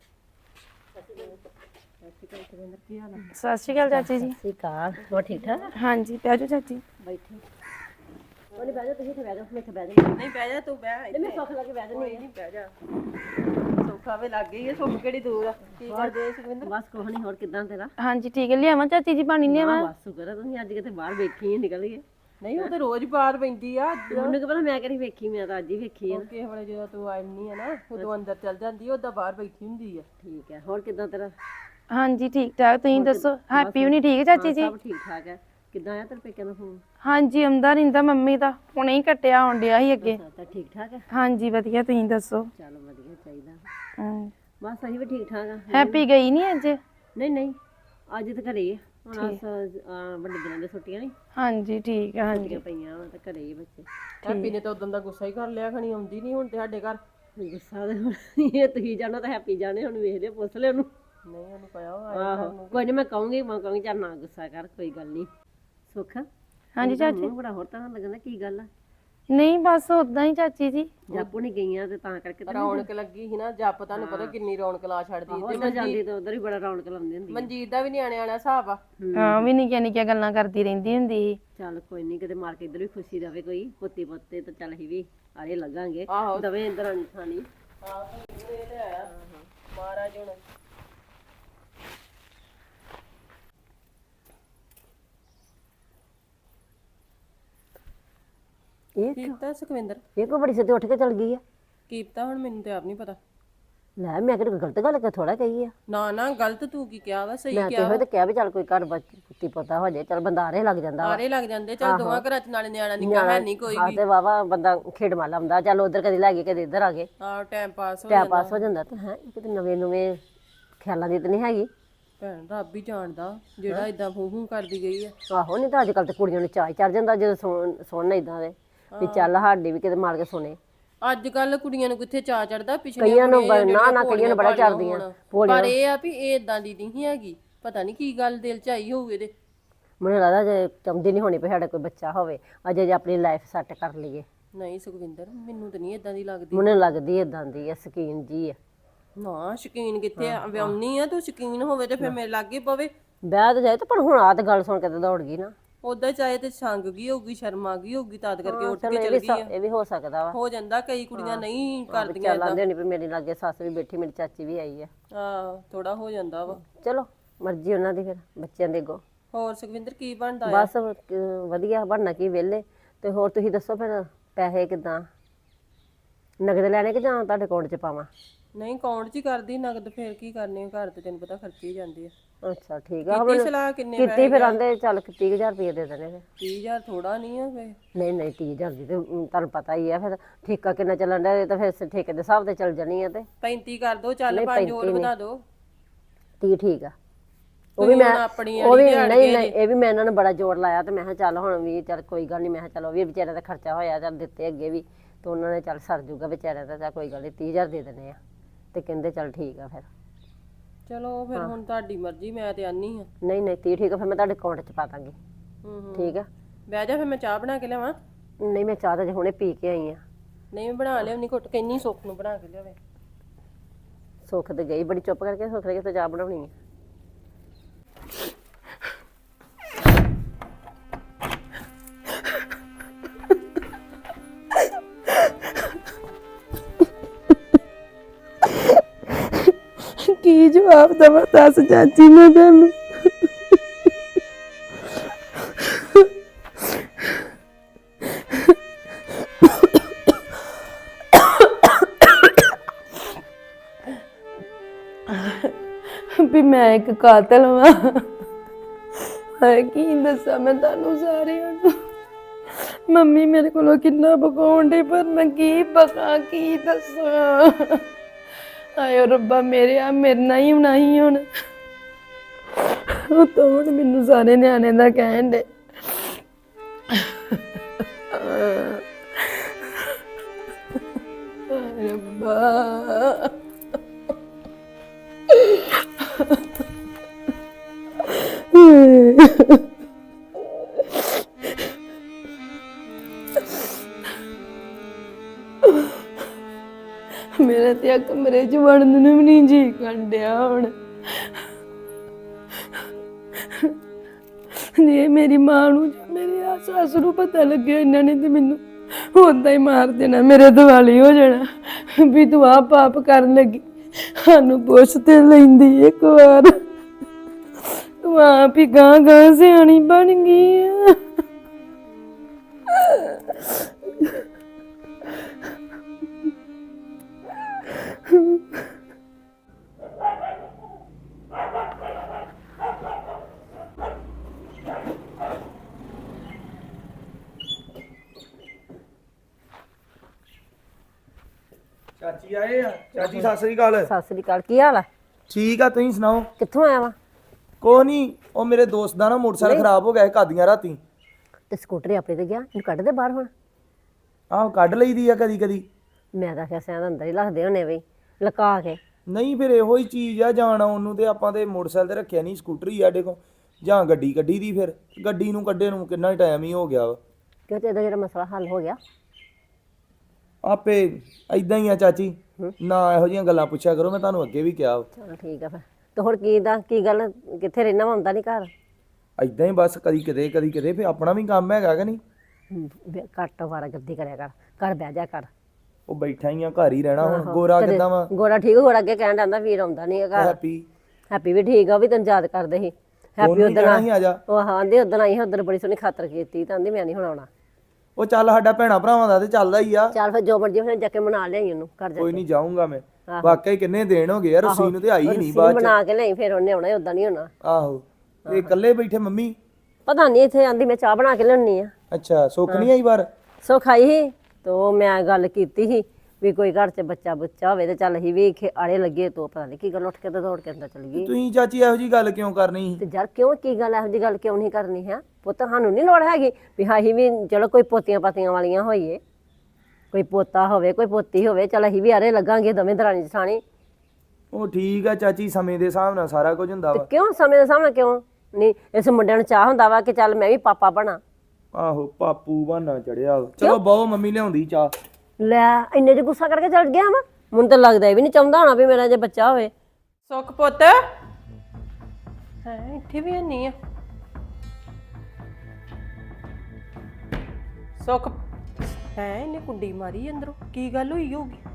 Speaker 5: ਸਤਿ ਸ਼੍ਰੀ ਅਕਾਲ ਚਾਚੀ ਜੀ।
Speaker 6: ਸਤਿ ਸ਼੍ਰੀ ਅਕਾਲ, ਹੋਰ ਠੀਕ ਠਾਕ?
Speaker 5: ਹਾਂਜੀ ਬੈਠੋ ਚਾਚੀ।
Speaker 6: ਬੈਠੀ ਉਹਨੇ ਬਹਿ ਜਾ, ਤੁਸੀਂ ਇੱਥੇ ਬਹਿ ਜਾਓ, ਮੈਂ ਇੱਥੇ ਬਹਿ ਜਾਣੀ।
Speaker 2: ਨਹੀਂ ਬਹਿ ਜਾ ਤੂੰ, ਬਹਿ।
Speaker 6: ਮੈਂ ਸੁੱਖ ਲਾ ਕੇ ਬਹਿ ਜਾਣੀ।
Speaker 2: ਨਹੀਂ ਬਹਿ ਜਾ, ਸੌਖਾ ਵੇ ਲੱਗ ਗਈ ਹੈ। ਸੁੱਖ ਕਿਹੜੀ ਦੂਰ ਆ? ਕੀ ਕਰਦੇ ਸੁਖਵਿੰਦਰ?
Speaker 6: ਬਸ ਕੁਛ ਨਹੀਂ, ਹੋਰ ਕਿੱਦਾਂ ਤੇਰਾ?
Speaker 5: ਹਾਂਜੀ ਠੀਕ ਹੈ, ਲਿਆਵਾਂ ਚਾਚੀ ਜੀ ਪਾਣੀ ਲਿਆਵਾਂ?
Speaker 6: ਬਸ ਸ਼ੁਕਰ ਆ ਤੁਸੀਂ ਅੱਜ ਕਿਤੇ ਬਾਹਰ ਵੇਖੀ ਹੈ, ਨਿਕਲ ਗਏ।
Speaker 2: ਨਹੀਂ ਉਹ ਤਾਂ ਰੋਜ਼ ਬਾਹਰ ਪੈਂਦੀ ਆ।
Speaker 6: ਮੈਨੂੰ ਕੀ ਪਤਾ ਮੈਂ ਕਿਹੜੀ ਵੇਖੀ, ਮੈਂ ਤਾਂ ਅੱਜ ਹੀ ਵੇਖੀ ਆ।
Speaker 2: ਕਿਸੇ ਵੇਲੇ ਜਦੋਂ ਤੂੰ ਆਈ ਆ ਨਾ, ਉਦੋਂ ਅੰਦਰ ਚੱਲ ਜਾਂਦੀ, ਉਦਾਂ ਬਾਹਰ ਬੈਠੀ ਹੁੰਦੀ ਆ।
Speaker 6: ਠੀਕ ਹੈ, ਹੋਰ ਕਿੱਦਾਂ ਤੇਰਾ?
Speaker 5: ਹਾਂਜੀ ਠੀਕ ਠਾਕ, ਤੁਸੀਂ ਦੱਸੋ? ਹੈਪੀ ਵੀ ਨਹੀਂ ਠੀਕ ਚਾਚੀ ਜੀ?
Speaker 6: ਸਭ ਠੀਕ ਠਾਕ ਹੈ। ਕਿੱਦਾਂ ਆਇਆ ਤੇਰੇ ਪੇਕਿਆਂ ਦਾ ਫੋਨ?
Speaker 5: ਹਾਂਜੀ ਆਉਂਦਾ ਰਹਿੰਦਾ, ਮੰਮੀ ਦਾ ਹੁਣੇ ਹੀ ਕੱਟਿਆ ਆਉਣ ਡਿਆ ਸੀ ਅੱਗੇ।
Speaker 6: ਤਾਂ ਠੀਕ ਠਾਕ ਹੈ?
Speaker 5: ਹਾਂਜੀ ਵਧੀਆ, ਤੁਸੀਂ ਦੱਸੋ?
Speaker 6: ਚੱਲ ਵਧੀਆ ਚਾਹੀਦਾ।
Speaker 5: ਹਾਂ।
Speaker 6: ਬਸ ਅਸੀਂ ਵੀ ਠੀਕ ਠਾਕ ਆ।
Speaker 5: ਹੈਪੀ ਗਈ ਨਹੀਂ ਅੱਜ?
Speaker 6: ਨਹੀਂ ਨਹੀਂ, ਅੱਜ ਤਾਂ ਘਰੇ ਹੀ ਆ। ਹੁਣ ਅਸ ਵੱਡੇ ਦਿਨਾਂ ਦੀਆਂ ਛੁੱਟੀਆਂ ਨੇ,
Speaker 5: ਹਾਂਜੀ ਠੀਕ ਹੈ। ਹਾਂਜੀ
Speaker 6: ਛੁੱਟੀਆਂ ਪਈਆਂ ਵਾ ਤਾਂ ਘਰੇ ਹੀ ਬੱਚੇ।
Speaker 2: ਹੈਪੀ ਨੇ ਤਾਂ ਉਦੋਂ ਦਾ ਗੁੱਸਾ ਹੀ ਕਰ ਲਿਆ, ਖਣੀ ਆਉਂਦੀ ਨਹੀਂ ਹੁਣ ਤੇ ਸਾਡੇ ਘਰ।
Speaker 6: ਗੁੱਸਾ ਦੇ ਹੁਣ ਇਹ ਤੁਸੀਂ ਜਾਣਾ ਤਾਂ ਹੈਪੀ ਜਾਣੇ, ਹੁਣ ਵੇਖ ਲਿਓ, ਪੁੱਛ ਲਿਓ ਉਹਨੂੰ।
Speaker 2: ਨਹੀਂ ਉਹਨੂੰ ਪਿਆ ਹੋਇਆ।
Speaker 6: ਆਹੋ ਕੋਈ ਨਹੀਂ, ਮੈਂ ਕਹੂੰਗੀ, ਮੈਂ ਕਹੂੰਗੀ ਚੱਲ ਨਾ ਗੁੱਸਾ ਕਰ, ਕੋਈ ਗੱਲ ਨਹੀਂ। ਸੁੱਖ?
Speaker 5: ਹਾਂਜੀ ਚਾਚੀ।
Speaker 6: ਬੜਾ ਹੋਰ ਤਰ੍ਹਾਂ ਲੱਗਦਾ, ਕੀ ਗੱਲ ਆ?
Speaker 5: ਨਹੀਂ ਬਸ ਉਦਾਂ ਹੀ ਚਾਚੀ ਜੀ।
Speaker 6: ਜਾਪੂ ਨਹੀਂ ਗਈਆਂ ਤੇ ਤਾਂ ਕਰਕੇ ਤਾਂ
Speaker 2: ਰੌਣਕ ਲੱਗੀ ਸੀ ਨਾ, ਜੱਪ ਤੁਹਾਨੂੰ ਪਤਾ ਕਿੰਨੀ ਰੌਣਕ ਲਾ ਛੱਡਦੀ।
Speaker 6: ਉਧਰ ਜਾਂਦੀ ਤੇ ਉਧਰ ਹੀ ਬੜਾ ਰੌਣਕ ਲਾਉਂਦੀ ਹੁੰਦੀ।
Speaker 2: ਮਨਜੀਤ ਦਾ ਵੀ ਨਿਆਣੇ ਵਾਲਾ ਹਿਸਾਬ ਆ।
Speaker 5: ਹਾਂ ਵੀ ਨਿੱਕੀਆਂ ਨਿੱਕੀਆਂ ਗੱਲਾਂ ਕਰਦੀ ਰਹਿੰਦੀ ਹੁੰਦੀ ਸੀ।
Speaker 6: ਚੱਲ ਕੋਈ ਨਹੀਂ, ਕਿਤੇ ਮਾਰ ਕੇ ਇੱਧਰ ਵੀ ਖੁਸ਼ੀ ਰਵੇ ਕੋਈ ਪੁੱਤੀ ਪੁੱਤੇ, ਤਾਂ ਚੱਲ ਅਸੀਂ ਵੀ ਆਰੇ ਲੱਗਾਂਗੇ
Speaker 2: ਆਹੋ।
Speaker 6: ਦਵੇਂ ਇੰਦਰ ਥਾਣੀ।
Speaker 2: ਹਾਂ ਇਹ ਤੇ ਆਇਆ ਮਹਾਰਾਜ ਹੁਣ।
Speaker 6: ਇਹ
Speaker 2: ਕੀਤਾ ਸੁਖਵਿੰਦਰ?
Speaker 6: ਇਹ ਕੋ ਬੜੀ ਸਿੱਧੇ ਉੱਠ ਕੇ ਚਲ ਗਈ ਆ।
Speaker 2: ਕੀਤਾ ਹੁਣ ਮੈਨੂੰ ਤੇ ਆਪ ਨਹੀਂ ਪਤਾ।
Speaker 6: ਲੈ ਮੈਂ ਕਿਹੜੀ ਗਲਤ ਗੱਲ ਕਰ ਥੋੜਾ ਕਹੀ ਆ।
Speaker 2: ਨਾ ਨਾ ਗਲਤ ਤੂੰ ਕੀ ਕਿਹਾ ਵਾ, ਸਹੀ
Speaker 6: ਮੈਂ
Speaker 2: ਕਿਹਾ।
Speaker 6: ਤੇ ਹੋਏ ਤੇ ਕਿਹਾ ਵੀ ਚੱਲ ਕੋਈ ਘਰ ਪੁੱਤੀ ਪੋਤਾ ਹੋ ਜਾਏ, ਚੱਲ ਬੰਦਾ ਆਰੇ ਲੱਗ ਜਾਂਦਾ ਵਾ।
Speaker 2: ਆਰੇ ਲੱਗ ਜਾਂਦੇ, ਚੱਲ ਦੋਵਾਂ ਘਰਾਂ ਚ ਨਾਲੇ ਨਿਆਣਾ ਨਿੱਕਾ ਹੈ ਨਹੀਂ ਕੋਈ
Speaker 6: ਆ
Speaker 2: ਵੀ।
Speaker 6: ਤੇ ਵਾਵਾ ਬੰਦਾ ਖੇਡ ਮਾਲਾ ਹੁੰਦਾ, ਚੱਲ ਉਧਰ ਕਦੀ ਲੈ ਗਏ ਕਦੀ ਇੱਧਰ ਆ ਗਏ,
Speaker 2: ਹਾਂ ਟਾਈਮ ਪਾਸ ਹੋ
Speaker 6: ਟਾਈਮ
Speaker 2: ਜਾਂਦਾ।
Speaker 6: ਪਾਸ ਹੋ ਜਾਂਦਾ। ਤੇ ਹੈ ਕਿਤੇ ਨਵੇਂ ਨਵੇਂ ਖਿਆਲਾਂ ਦੀ ਤਾਂ ਨਹੀਂ ਹੈਗੀ।
Speaker 2: ਭੈਣ ਰੱਬ ਹੀ ਜਾਣਦਾ ਜਿਹੜਾ ਇਦਾਂ ਫੂੰ ਫੂੰ ਕਰਦੀ ਗਈ ਆ।
Speaker 6: ਆਹੋ ਨਹੀਂ ਤਾਂ ਅੱਜ ਕੱਲ ਤੇ ਕੁੜੀਆਂ ਨੂੰ ਚਾਅ ਚੜ ਜਾਂਦਾ ਜਦੋਂ ਸੁਣ ਸੁਣਨ ਇਦਾਂ ਦੇ ਵੀ ਚੱਲ ਸਾਡੀ ਵੀ ਕਿਤੇ ਮਾਰ ਕੇ ਸੁਣੇ।
Speaker 2: ਅੱਜ ਕੱਲ ਕੁੜੀਆਂ ਨੂੰ ਕਿੱਥੇ ਚਾਅ ਚੜਦਾ, ਪਿਛਲੀਆਂ
Speaker 6: ਕਈਆਂ ਨੂੰ
Speaker 2: ਕੁੜੀਆਂ
Speaker 6: ਨਾ ਨਾ ਕਈਆਂ ਨੂੰ ਬੜਾ ਚੜਦੀਆਂ ਭੋਲੀਆਂ।
Speaker 2: ਪਰ ਇਹ ਆ ਵੀ ਇਹ ਇਦਾਂ ਦੀ ਨਹੀਂ ਹੈਗੀ। ਪਤਾ ਨਹੀਂ ਕੀ ਗੱਲ ਦਿਲ ਚ ਆਈ ਹੋਊ ਇਹਦੇ।
Speaker 6: ਮੈਨੂੰ ਲੱਗਦਾ ਜੇ ਚਾਹੁੰਦੀ ਨਹੀਂ ਹੋਣੀ ਵੀ ਸਾਡਾ ਕੋਈ ਬੱਚਾ ਹੋਵੇ, ਅਜੇ ਜੇ ਆਪਣੀ ਲਾਈਫ ਸੈੱਟ ਕਰ ਲਈਏ।
Speaker 2: ਨਹੀਂ ਸੁਖਵਿੰਦਰ, ਮੈਨੂੰ ਤਾਂ ਨਹੀਂ ਇਦਾਂ ਦੀ ਲੱਗਦੀ।
Speaker 6: ਮੈਨੂੰ ਲੱਗਦੀ ਇਦਾਂ ਦੀ ਆ, ਸਕੀਨ ਜੀ ਆ।
Speaker 2: ਨਾ ਸ਼ਕੀਨ ਕਿੱਥੇ ਆ, ਵਿਆਹਨੀ ਆ ਤੂੰ, ਸ਼ਕੀਨ ਹੋਵੇ ਤੇ ਫਿਰ ਮੇਰੇ ਲਾਗੇ ਪਵੇ।
Speaker 6: ਵਿਆਹ ਤੇ ਜਾਏ ਤੇ ਪਰ ਹੁਣ ਆ ਤੇ ਗੱਲ ਸੁਣ ਕੇ ਤੇ ਦੌੜ ਗਈ ਨਾ।
Speaker 2: ਉਦਾਂ ਚਾਹੇ ਤੇ ਸੰਗ ਗਈ ਹੋਊਗੀ, ਸ਼ਰਮ ਆ ਗਈ ਹੋਊਗੀ, ਤਦ ਕਰਕੇ ਉੱਠ
Speaker 6: ਚਲੋ
Speaker 2: ਕੇ
Speaker 6: ਇਹ
Speaker 2: ਚਲ
Speaker 6: ਵੀ
Speaker 2: ਗਈ
Speaker 6: ਸ-
Speaker 2: ਆ।
Speaker 6: ਇਹ ਵੀ ਹੋ ਸਕਦਾ ਵਾ।
Speaker 2: ਹੋ ਜਾਂਦਾ, ਕਈ ਕੁੜੀਆਂ ਨਹੀਂ ਕਰਦੀਆਂ
Speaker 6: ਚੱਲ ਆਂਦੇ ਹੋਣੀ ਵੀ ਮੇਰੇ ਲਾਗੇ ਸੱਸ ਵੀ ਬੈਠੀ, ਮੇਰੀ ਚਾਚੀ ਵੀ ਆਈ ਆ।
Speaker 2: ਹਾਂ ਥੋੜਾ ਹੋ ਜਾਂਦਾ ਵਾ।
Speaker 6: ਚਲੋ ਮਰਜ਼ੀ ਉਹਨਾਂ ਦੀ, ਫਿਰ ਬੱਚਿਆਂ ਦੇ ਅੱਗੋਂ।
Speaker 2: ਹੋਰ ਸੁਖਵਿੰਦਰ ਕੀ ਬਣਦਾ ਆ?
Speaker 6: ਬਸ ਅਹ ਵਧੀਆ, ਬਣਨਾ ਕੀ ਵਿਹਲੇ। ਤੇ ਹੋਰ ਤੁਸੀਂ ਦੱਸੋ ਫਿਰ ਪੈਸੇ ਕਿੱਦਾਂ, ਨਗਦ ਲੈਣੇ ਕਿ ਜਾਂ ਤੁਹਾਡੇ ਅਕਾਊਂਟ 'ਚ ਪਾਵਾਂ?
Speaker 2: ਨਹੀਂ ਅਕਾਊਂਟ 'ਚ ਹੀ ਕਰਦੀ ਨਗਦ, ਫੇਰ ਕੀ ਕਰਨੇ ਘਰ ਤੇ ਤੈਨੂੰ ਪਤਾ ਖਰਚੇ ਹੀ ਜਾਂਦੇ ਆ।
Speaker 6: ਅੱਛਾ ਠੀਕ ਆ।
Speaker 2: ਕੀਤੀ ਸਲਾਹ ਕਿੰਨੇ
Speaker 6: ਕੀਤੀ ਫਿਰ ਆਂਦੇ ਚੱਲ ਤੀਹ ਹਜ਼ਾਰ ਰੁਪਏ ਦੇ ਦੇਣੇ ਫਿਰ।
Speaker 2: ਤੀਹ ਹਜ਼ਾਰ ਥੋੜਾ ਨਹੀਂ ਆ ਫੇ।
Speaker 6: ਨਹੀਂ ਨਹੀਂ ਤੀਹ ਹਜ਼ਾਰ ਦੀ ਤੇ ਊਂ ਤੁਹਾਨੂੰ ਪਤਾ ਹੀ ਆ ਫਿਰ ਠੇਕਾ ਕਿੰਨਾ ਚੱਲਣ ਡਿਆ, ਇਹ ਤਾਂ ਫਿਰ ਠੇਕੇ ਦੇ ਹਿਸਾਬ ਤੇ ਚੱਲ ਜਾਣੀ ਆ ਤੇ
Speaker 2: ਪੈਂਤੀ ਕਰ ਦੋ ਚੱਲ,
Speaker 6: ਨਹੀਂ,
Speaker 2: ਪੰਜ
Speaker 6: ਪੈਂਤੀ
Speaker 2: ਹੋਰ
Speaker 6: ਨਹੀਂ।
Speaker 2: ਵਧਾ ਦੋ।
Speaker 6: ਤੀਹ ਠੀਕ ਆ। ਉਹ
Speaker 2: ਤੁਸੀਂ
Speaker 6: ਵੀ
Speaker 2: ਹੁਣ
Speaker 6: ਮੈਂ
Speaker 2: ਆਪਣੀ
Speaker 6: ਉਹ ਵੀ
Speaker 2: ਅੜੀ ਦਿਹਾੜੀ
Speaker 6: ਨਹੀਂ ਨਹੀਂ ਇਹ ਵੀ ਮੈਂ ਇਹਨਾਂ ਨੂੰ ਬੜਾ ਜ਼ੋਰ ਲਾਇਆ ਤੇ ਮੈਂ ਕਿਹਾ ਚੱਲ ਹੁਣ ਵੀ ਚੱਲ ਕੋਈ ਗੱਲ ਨਹੀਂ, ਮੈਂ ਕਿਹਾ ਚੱਲ ਉਹ ਵੀ ਵਿਚਾਰਿਆਂ ਦਾ ਖਰਚਾ ਹੋਇਆ, ਚੱਲ ਦਿੱਤੇ ਅੱਗੇ ਵੀ ਤੇ ਉਹਨਾਂ ਨੇ ਚੱਲ ਸਰ ਜੂਗਾ ਵਿਚਾਰਿਆਂ ਦਾ, ਚੱਲ ਕੋਈ ਗੱਲ ਨਹੀਂ ਤੀਹ ਹਜ਼ਾਰ ਦੇ ਦਿੰਦੇ ਆ ਤੇ ਕਹਿੰਦੇ ਚੱਲ ਠੀਕ ਆ ਫਿਰ।
Speaker 2: ਚਲੋ ਫਿਰ ਹੁਣ ਤੁਹਾਡੀ ਮਰਜ਼ੀ, ਮੈਂ ਤੇ ਆਨੀ ਆ।
Speaker 6: ਨਹੀਂ ਨਹੀਂ ਤੀਹ ਠੀਕ ਆ, ਫਿਰ ਮੈਂ ਤੁਹਾਡੇ ਅਕਾਊਂਟ 'ਚ ਪਾ ਦਾਂਗੀ।
Speaker 2: ਹੂੰ ਹੂੰ
Speaker 6: ਠੀਕ ਆ।
Speaker 2: ਬਹਿ ਜਾ, ਫਿਰ ਮੈਂ ਚਾਹ ਬਣਾ ਕੇ ਲਿਆਵਾਂ।
Speaker 6: ਨਹੀਂ ਮੈਂ ਚਾਹ ਤਾਂ ਜੇ ਹੁਣੇ ਪੀ ਕੇ ਆਈ ਆ।
Speaker 2: ਨਹੀਂ ਮੈਂ ਬਣਾ ਲਿਆਉਣੀ ਘੁੱਟ, ਕਹਿੰਨੀ ਸੁੱਖ ਨੂੰ ਬਣਾ ਕੇ ਲਿਆਵੇ।
Speaker 6: ਸੁੱਖ ਤੇ ਗਈ ਬੜੀ ਚੁੱਪ ਕਰਕੇ, ਸੁੱਖ ਨੇ ਕਿਤੇ ਚਾਹ ਬਣਾਉਣੀ ਆ।
Speaker 5: ਕੀ ਜਵਾਬ ਦਵਾਂ ਦੱਸ ਚਾਚੀ ਮੈਂ ਤੁਹਾਨੂੰ। ਵੀ ਮੈਂ ਇੱਕ ਕਾਤਲ ਵਾਂ। ਹਾਏ ਕੀ ਦੱਸਾਂ ਮੈਂ ਤੁਹਾਨੂੰ ਸਾਰਿਆਂ ਨੂੰ। ਮੰਮੀ ਮੇਰੇ ਕੋਲੋਂ ਕਿੰਨਾ ਪਕਾਉਣ ਡਈ ਪਰ ਮੈਂ ਕੀ ਪਕਾਂ ਕੀ ਦੱਸਾਂ। ਆਇਓ ਰੱਬਾ ਮੇਰੇ ਆ ਮੇਰੇ ਨਾਲ ਹੀ ਬਣਾਈ ਹੁਣ। ਉਹ ਤਾਂ ਹੁਣ ਮੈਨੂੰ ਸਾਰੇ ਨਿਆਣੇ ਦਾ ਕਹਿਣ ਦੇ। ਰੱਬਾ ਮੇਰੇ ਤੇ ਆ ਕਮਰੇ 'ਚ ਵੜਨ ਨੂੰ ਵੀ ਨਹੀਂ ਜੀ ਕੰਡਿਆ ਹੁਣ। ਜੇ ਮੇਰੀ ਮਾਂ ਨੂੰ ਜਾਂ ਮੇਰੀ ਆ ਸੱਸ ਨੂੰ ਪਤਾ ਲੱਗਿਆ ਇਹਨਾਂ ਨੇ ਤੇ ਮੈਨੂੰ ਉਦਾਂ ਹੀ ਮਾਰ ਦੇਣਾ, ਮੇਰੇ ਦਿਵਾਲੀ ਹੋ ਜਾਣਾ ਵੀ ਤੂੰ ਆ ਪਾਪ ਕਰਨ ਲੱਗੀ। ਸਾਨੂੰ ਪੁੱਛ ਤੇ ਲੈਂਦੀ ਇੱਕ ਵਾਰ, ਤੂੰ ਆਪ ਹੀ ਗਾਂ ਗਾਂ ਸਿਆਣੀ ਬਣ ਗਈ ਆ।
Speaker 7: ਚਾਚੀ ਆਏ ਆ। ਚਾਚੀ ਸਤਿ ਸ੍ਰੀ ਅਕਾਲ।
Speaker 6: ਸਤਿ ਸ੍ਰੀ ਅਕਾਲ, ਕੀ ਹਾਲ ਆ?
Speaker 7: ਠੀਕ ਆ, ਤੁਸੀਂ ਸੁਣਾਓ?
Speaker 6: ਕਿੱਥੋਂ ਆਇਆ ਵਾ?
Speaker 7: ਕੋ ਨਹੀਂ, ਉਹ ਮੇਰੇ ਦੋਸਤ ਦਾ ਨਾ ਮੋਟਰਸਾਈਕਲ ਖਰਾਬ ਹੋ ਗਿਆ ਸੀ ਕਾਦੀਆਂ ਰਾਤੀ।
Speaker 6: ਤੇ ਸਕੂਟਰੀ ਆਪਣੇ ਤੇ ਗਿਆ, ਇਹਨੂੰ ਕੱਢ ਦੇ ਬਾਹਰ ਹੁਣ।
Speaker 7: ਆਹ ਕੱਢ ਲਈਦੀ ਆ ਕਦੀ ਕਦੀ।
Speaker 6: ਮੈਂ ਤਾਂ ਕਿਹਾ ਸਿਆਂ ਅੰਦਰ ਹੀ ਰੱਖਦੇ ਹੋਣੇ ਬਈ ਲੁਕਾ ਕੇ।
Speaker 7: ਨਹੀਂ ਫਿਰ ਇਹੋ ਹੀ ਚੀਜ਼ ਆ, ਜਾਣਾ ਉਹਨੂੰ ਤੇ ਆਪਾਂ ਤੇ ਮੋਟਰਸਾਈਕਲ ਤੇ ਰੱਖਿਆ ਨਹੀਂ, ਸਕੂਟਰੀ ਸਾਡੇ ਕੋਲ ਜਾਂ ਗੱਡੀ ਕੱਢੀ ਦੀ। ਫਿਰ ਗੱਡੀ ਨੂੰ ਕੱਢੇ ਨੂੰ ਕਿੰਨਾ ਟਾਈਮ ਹੀ ਹੋ ਗਿਆ ਵਾ।
Speaker 6: ਕਿਉਂ ਤੇ ਇਹਦਾ ਜਿਹੜਾ ਮਸਲਾ ਹੱਲ ਹੋ ਗਿਆ?
Speaker 7: ਆਪੇ ਐਦਾਂ ਹੀ ਆ ਚਾਚੀ, ਨਾ ਇਹੋ ਜਿਹੀਆਂ ਗੱਲਾਂ ਪੁੱਛਿਆ ਕਰੋ, ਮੈਂ ਤੁਹਾਨੂੰ ਅੱਗੇ ਵੀ ਕਿਹਾ।
Speaker 6: ਚਲੋ ਠੀਕ ਆ ਫਿਰ। ਤੇ ਹੁਣ ਕੀ ਦਾ ਕੀ ਗੱਲ, ਕਿੱਥੇ ਰਹਿਣਾ ਵਾ, ਆਉਂਦਾ ਨਹੀਂ ਘਰ?
Speaker 7: ਐਦਾਂ ਹੀ ਬਸ ਕਦੀ ਕਿਤੇ ਕਦੀ ਕਿਤੇ, ਫਿਰ ਆਪਣਾ ਵੀ ਕੰਮ ਹੈਗਾ ਕਿ ਨਹੀਂ।
Speaker 6: ਹਮ, ਬੇ- ਘੱਟ ਵਾਰਾ ਗੱਦੀ ਕਰਿਆ ਕਰ, ਘਰ ਬਹਿ ਜਾ ਕਰ।
Speaker 7: ਉਹ ਬੈਠਾ ਹੀ ਆ, ਘਰ ਹੀ ਰਹਿਣਾ ਹੁਣ। ਗੋਰਾ ਕਿੱਦਾਂ ਵਾ?
Speaker 6: ਗੋਰਾ ਠੀਕ, ਗੋਰਾ ਅੱਗੇ ਕਹਿਣ ਜਾਂਦਾ ਵੀਰ ਆਉਂਦਾ ਨਹੀਂ ਘਰ।
Speaker 7: ਹੈਪੀ
Speaker 6: ਹੈਪੀ ਵੀ ਠੀਕ ਆ, ਉਹ ਵੀ ਤੈਨੂੰ ਯਾਦ ਕਰਦੇ ਸੀ। ਹੈਪੀ
Speaker 7: ਉਹਨੂੰ
Speaker 6: ਉਦੋਂ
Speaker 7: ਕਹਿਣਾ ਸੀ ਆ ਜਾ।
Speaker 6: ਉਹ ਹਾਂ ਆਂਦੀ ਉਦੋਂ ਆਈ, ਉਦੋਂ ਬੜੀ ਸੋਹਣੀ ਖਾਤਰ ਕੀਤੀ ਤਾਂ ਆਂਦੀ ਮੈਂ ਨਹੀਂ ਹੁਣ ਆਉਣਾ।
Speaker 7: ਉਹ ਚੱਲ ਸਾਡਾ ਭੈਣਾ ਭਰਾਵਾਂ ਦਾ ਤੇ ਚੱਲਦਾ ਹੀ ਆ।
Speaker 6: ਚੱਲ ਫਿਰ ਜੋ ਮਰਜੀ ਫਿਰ ਜਾ ਕੇ ਮਨਾ ਲਿਆਈ ਉਹਨੂੰ ਘਰ ਜਾ
Speaker 7: ਕੋਈ ਨਹੀਂ ਜਾਊਂਗਾ ਮੈਂ। ਵਾਕਈ ਕਿੰਨੇ ਦਿਨ ਹੋ ਗਏ ਯਾਰ, ਰਸੀ ਨੂੰ ਤੇ ਆਈ ਹੀ ਨਹੀਂ
Speaker 6: ਬਾਅਦ
Speaker 7: ਬਾਅਦ ਚ।
Speaker 6: ਬਣਾ ਕੇ ਲਈ, ਫਿਰ ਉਹਨੇ ਆਉਣਾ, ਉਦਾਂ ਨਹੀਂ ਹੋਣਾ।
Speaker 7: ਆਹੋ, ਤੇ ਇਕੱਲੇ ਬੈਠੇ ਮੰਮੀ?
Speaker 6: ਪਤਾ ਨਹੀਂ, ਇੱਥੇ ਆਂਦੀ ਮੈਂ ਚਾਹ ਬਣਾ ਕੇ ਲਿਆਉਣੀ ਆ।
Speaker 7: ਅੱਛਾ, ਸੁੱਖ ਨਹੀਂ ਆਈ ਬਾਹਰ?
Speaker 6: ਸੋ ਖਾਈ ਸੀ ਤੋ ਮੈਂ ਗੱਲ ਕੀਤੀ ਸੀ ਵੀ ਕੋਈ ਘਰ 'ਚ ਬੱਚਾ ਬੱਚਾ ਹੋਵੇ ਤੇ ਚੱਲ ਹੀ ਵੀ ਖੇ ਆੜੇ ਲੱਗੇ ਤੋਂ ਪਤਾ ਨਹੀਂ ਕੀ ਗੱਲ, ਉੱਠ ਕੇ ਤੇ ਦੌੜ ਕੇ ਅੰਦਰ ਚਲੀ ਗਈ।
Speaker 7: ਤੁਸੀਂ ਚਾਚੀ ਇਹੋ ਜੀ ਗੱਲ ਕਿਉਂ ਕਰਨੀ ਸੀ?
Speaker 6: ਤੇ ਯਾਰ ਕਿਉਂ, ਕੀ ਗੱਲ ਇਹੋ ਜਿਹੀ ਗੱਲ ਕਿਉਂ ਨਹੀਂ ਕਰਨੀ ਹੈ ਪੁੱਤ? ਸਾਨੂੰ ਨਹੀਂ ਲੋੜ ਹੈਗੀ ਵੀ ਹਾਂ ਅਸੀਂ ਵੀ ਚਲੋ ਕੋਈ ਪੋਤੀਆਂ ਪਾਤੀਆਂ ਵਾਲੀਆਂ ਹੋਈਏ, ਕੋਈ ਪੋਤਾ ਹੋਵੇ ਕੋਈ ਪੋਤੀ ਹੋਵੇ, ਚੱਲ ਅਸੀਂ ਵੀ ਆਰੇ ਲੱਗਾਂਗੇ ਦੋਵੇਂ ਦਰਾਣੀ ਜਠਾਣੀ।
Speaker 7: ਉਹ ਠੀਕ ਆ ਚਾਚੀ, ਸਮੇਂ ਦੇ ਹਿਸਾਬ ਨਾਲ ਸਾਰਾ ਕੁਝ ਹੁੰਦਾ
Speaker 6: ਤੇ
Speaker 7: ਵਾ।
Speaker 6: ਕਿਉਂ ਸਮੇਂ ਦੇ ਸਾਹਮਣੇ ਕਿਉਂ ਨਹੀਂ? ਇਸ ਮੁੰਡਿਆਂ ਨੂੰ ਚਾਹ ਹੁੰਦਾ ਵਾ ਕਿ ਚੱਲ ਮੈਂ ਵੀ ਪਾਪਾ ਬਣਾ।
Speaker 7: ਆਹੋ, ਪਾਪੂ ਬਹਾਨਾ ਚੜਿਆ। ਚਲੋ ਬਹੁ, ਮੰਮੀ ਲਿਆਉਂਦੀ ਚਾਹ।
Speaker 6: ਲੈ ਇੰਨੇ ਚ ਗੁੱਸਾ ਕਰਕੇ ਚੜ ਗਿਆ ਵਾ? ਮੈਨੂੰ ਤਾਂ ਲੱਗਦਾ ਇਹ ਵੀ ਨਹੀਂ ਚਾਹੁੰਦਾ ਹੋਣਾ ਵੀ ਮੇਰਾ ਜੇ ਬੱਚਾ ਹੋਵੇ।
Speaker 2: ਸੁੱਖ ਪੁੱਤ ਹੈ ਇੱਥੇ ਵੀ ਨਹੀਂ ਆ। ਸੁੱਖ ਹੈ ਇਹਨੇ ਕੁੰਡੀ ਮਾਰੀ ਅੰਦਰੋਂ, ਕੀ ਗੱਲ ਹੋਈ ਹੋਊਗੀ?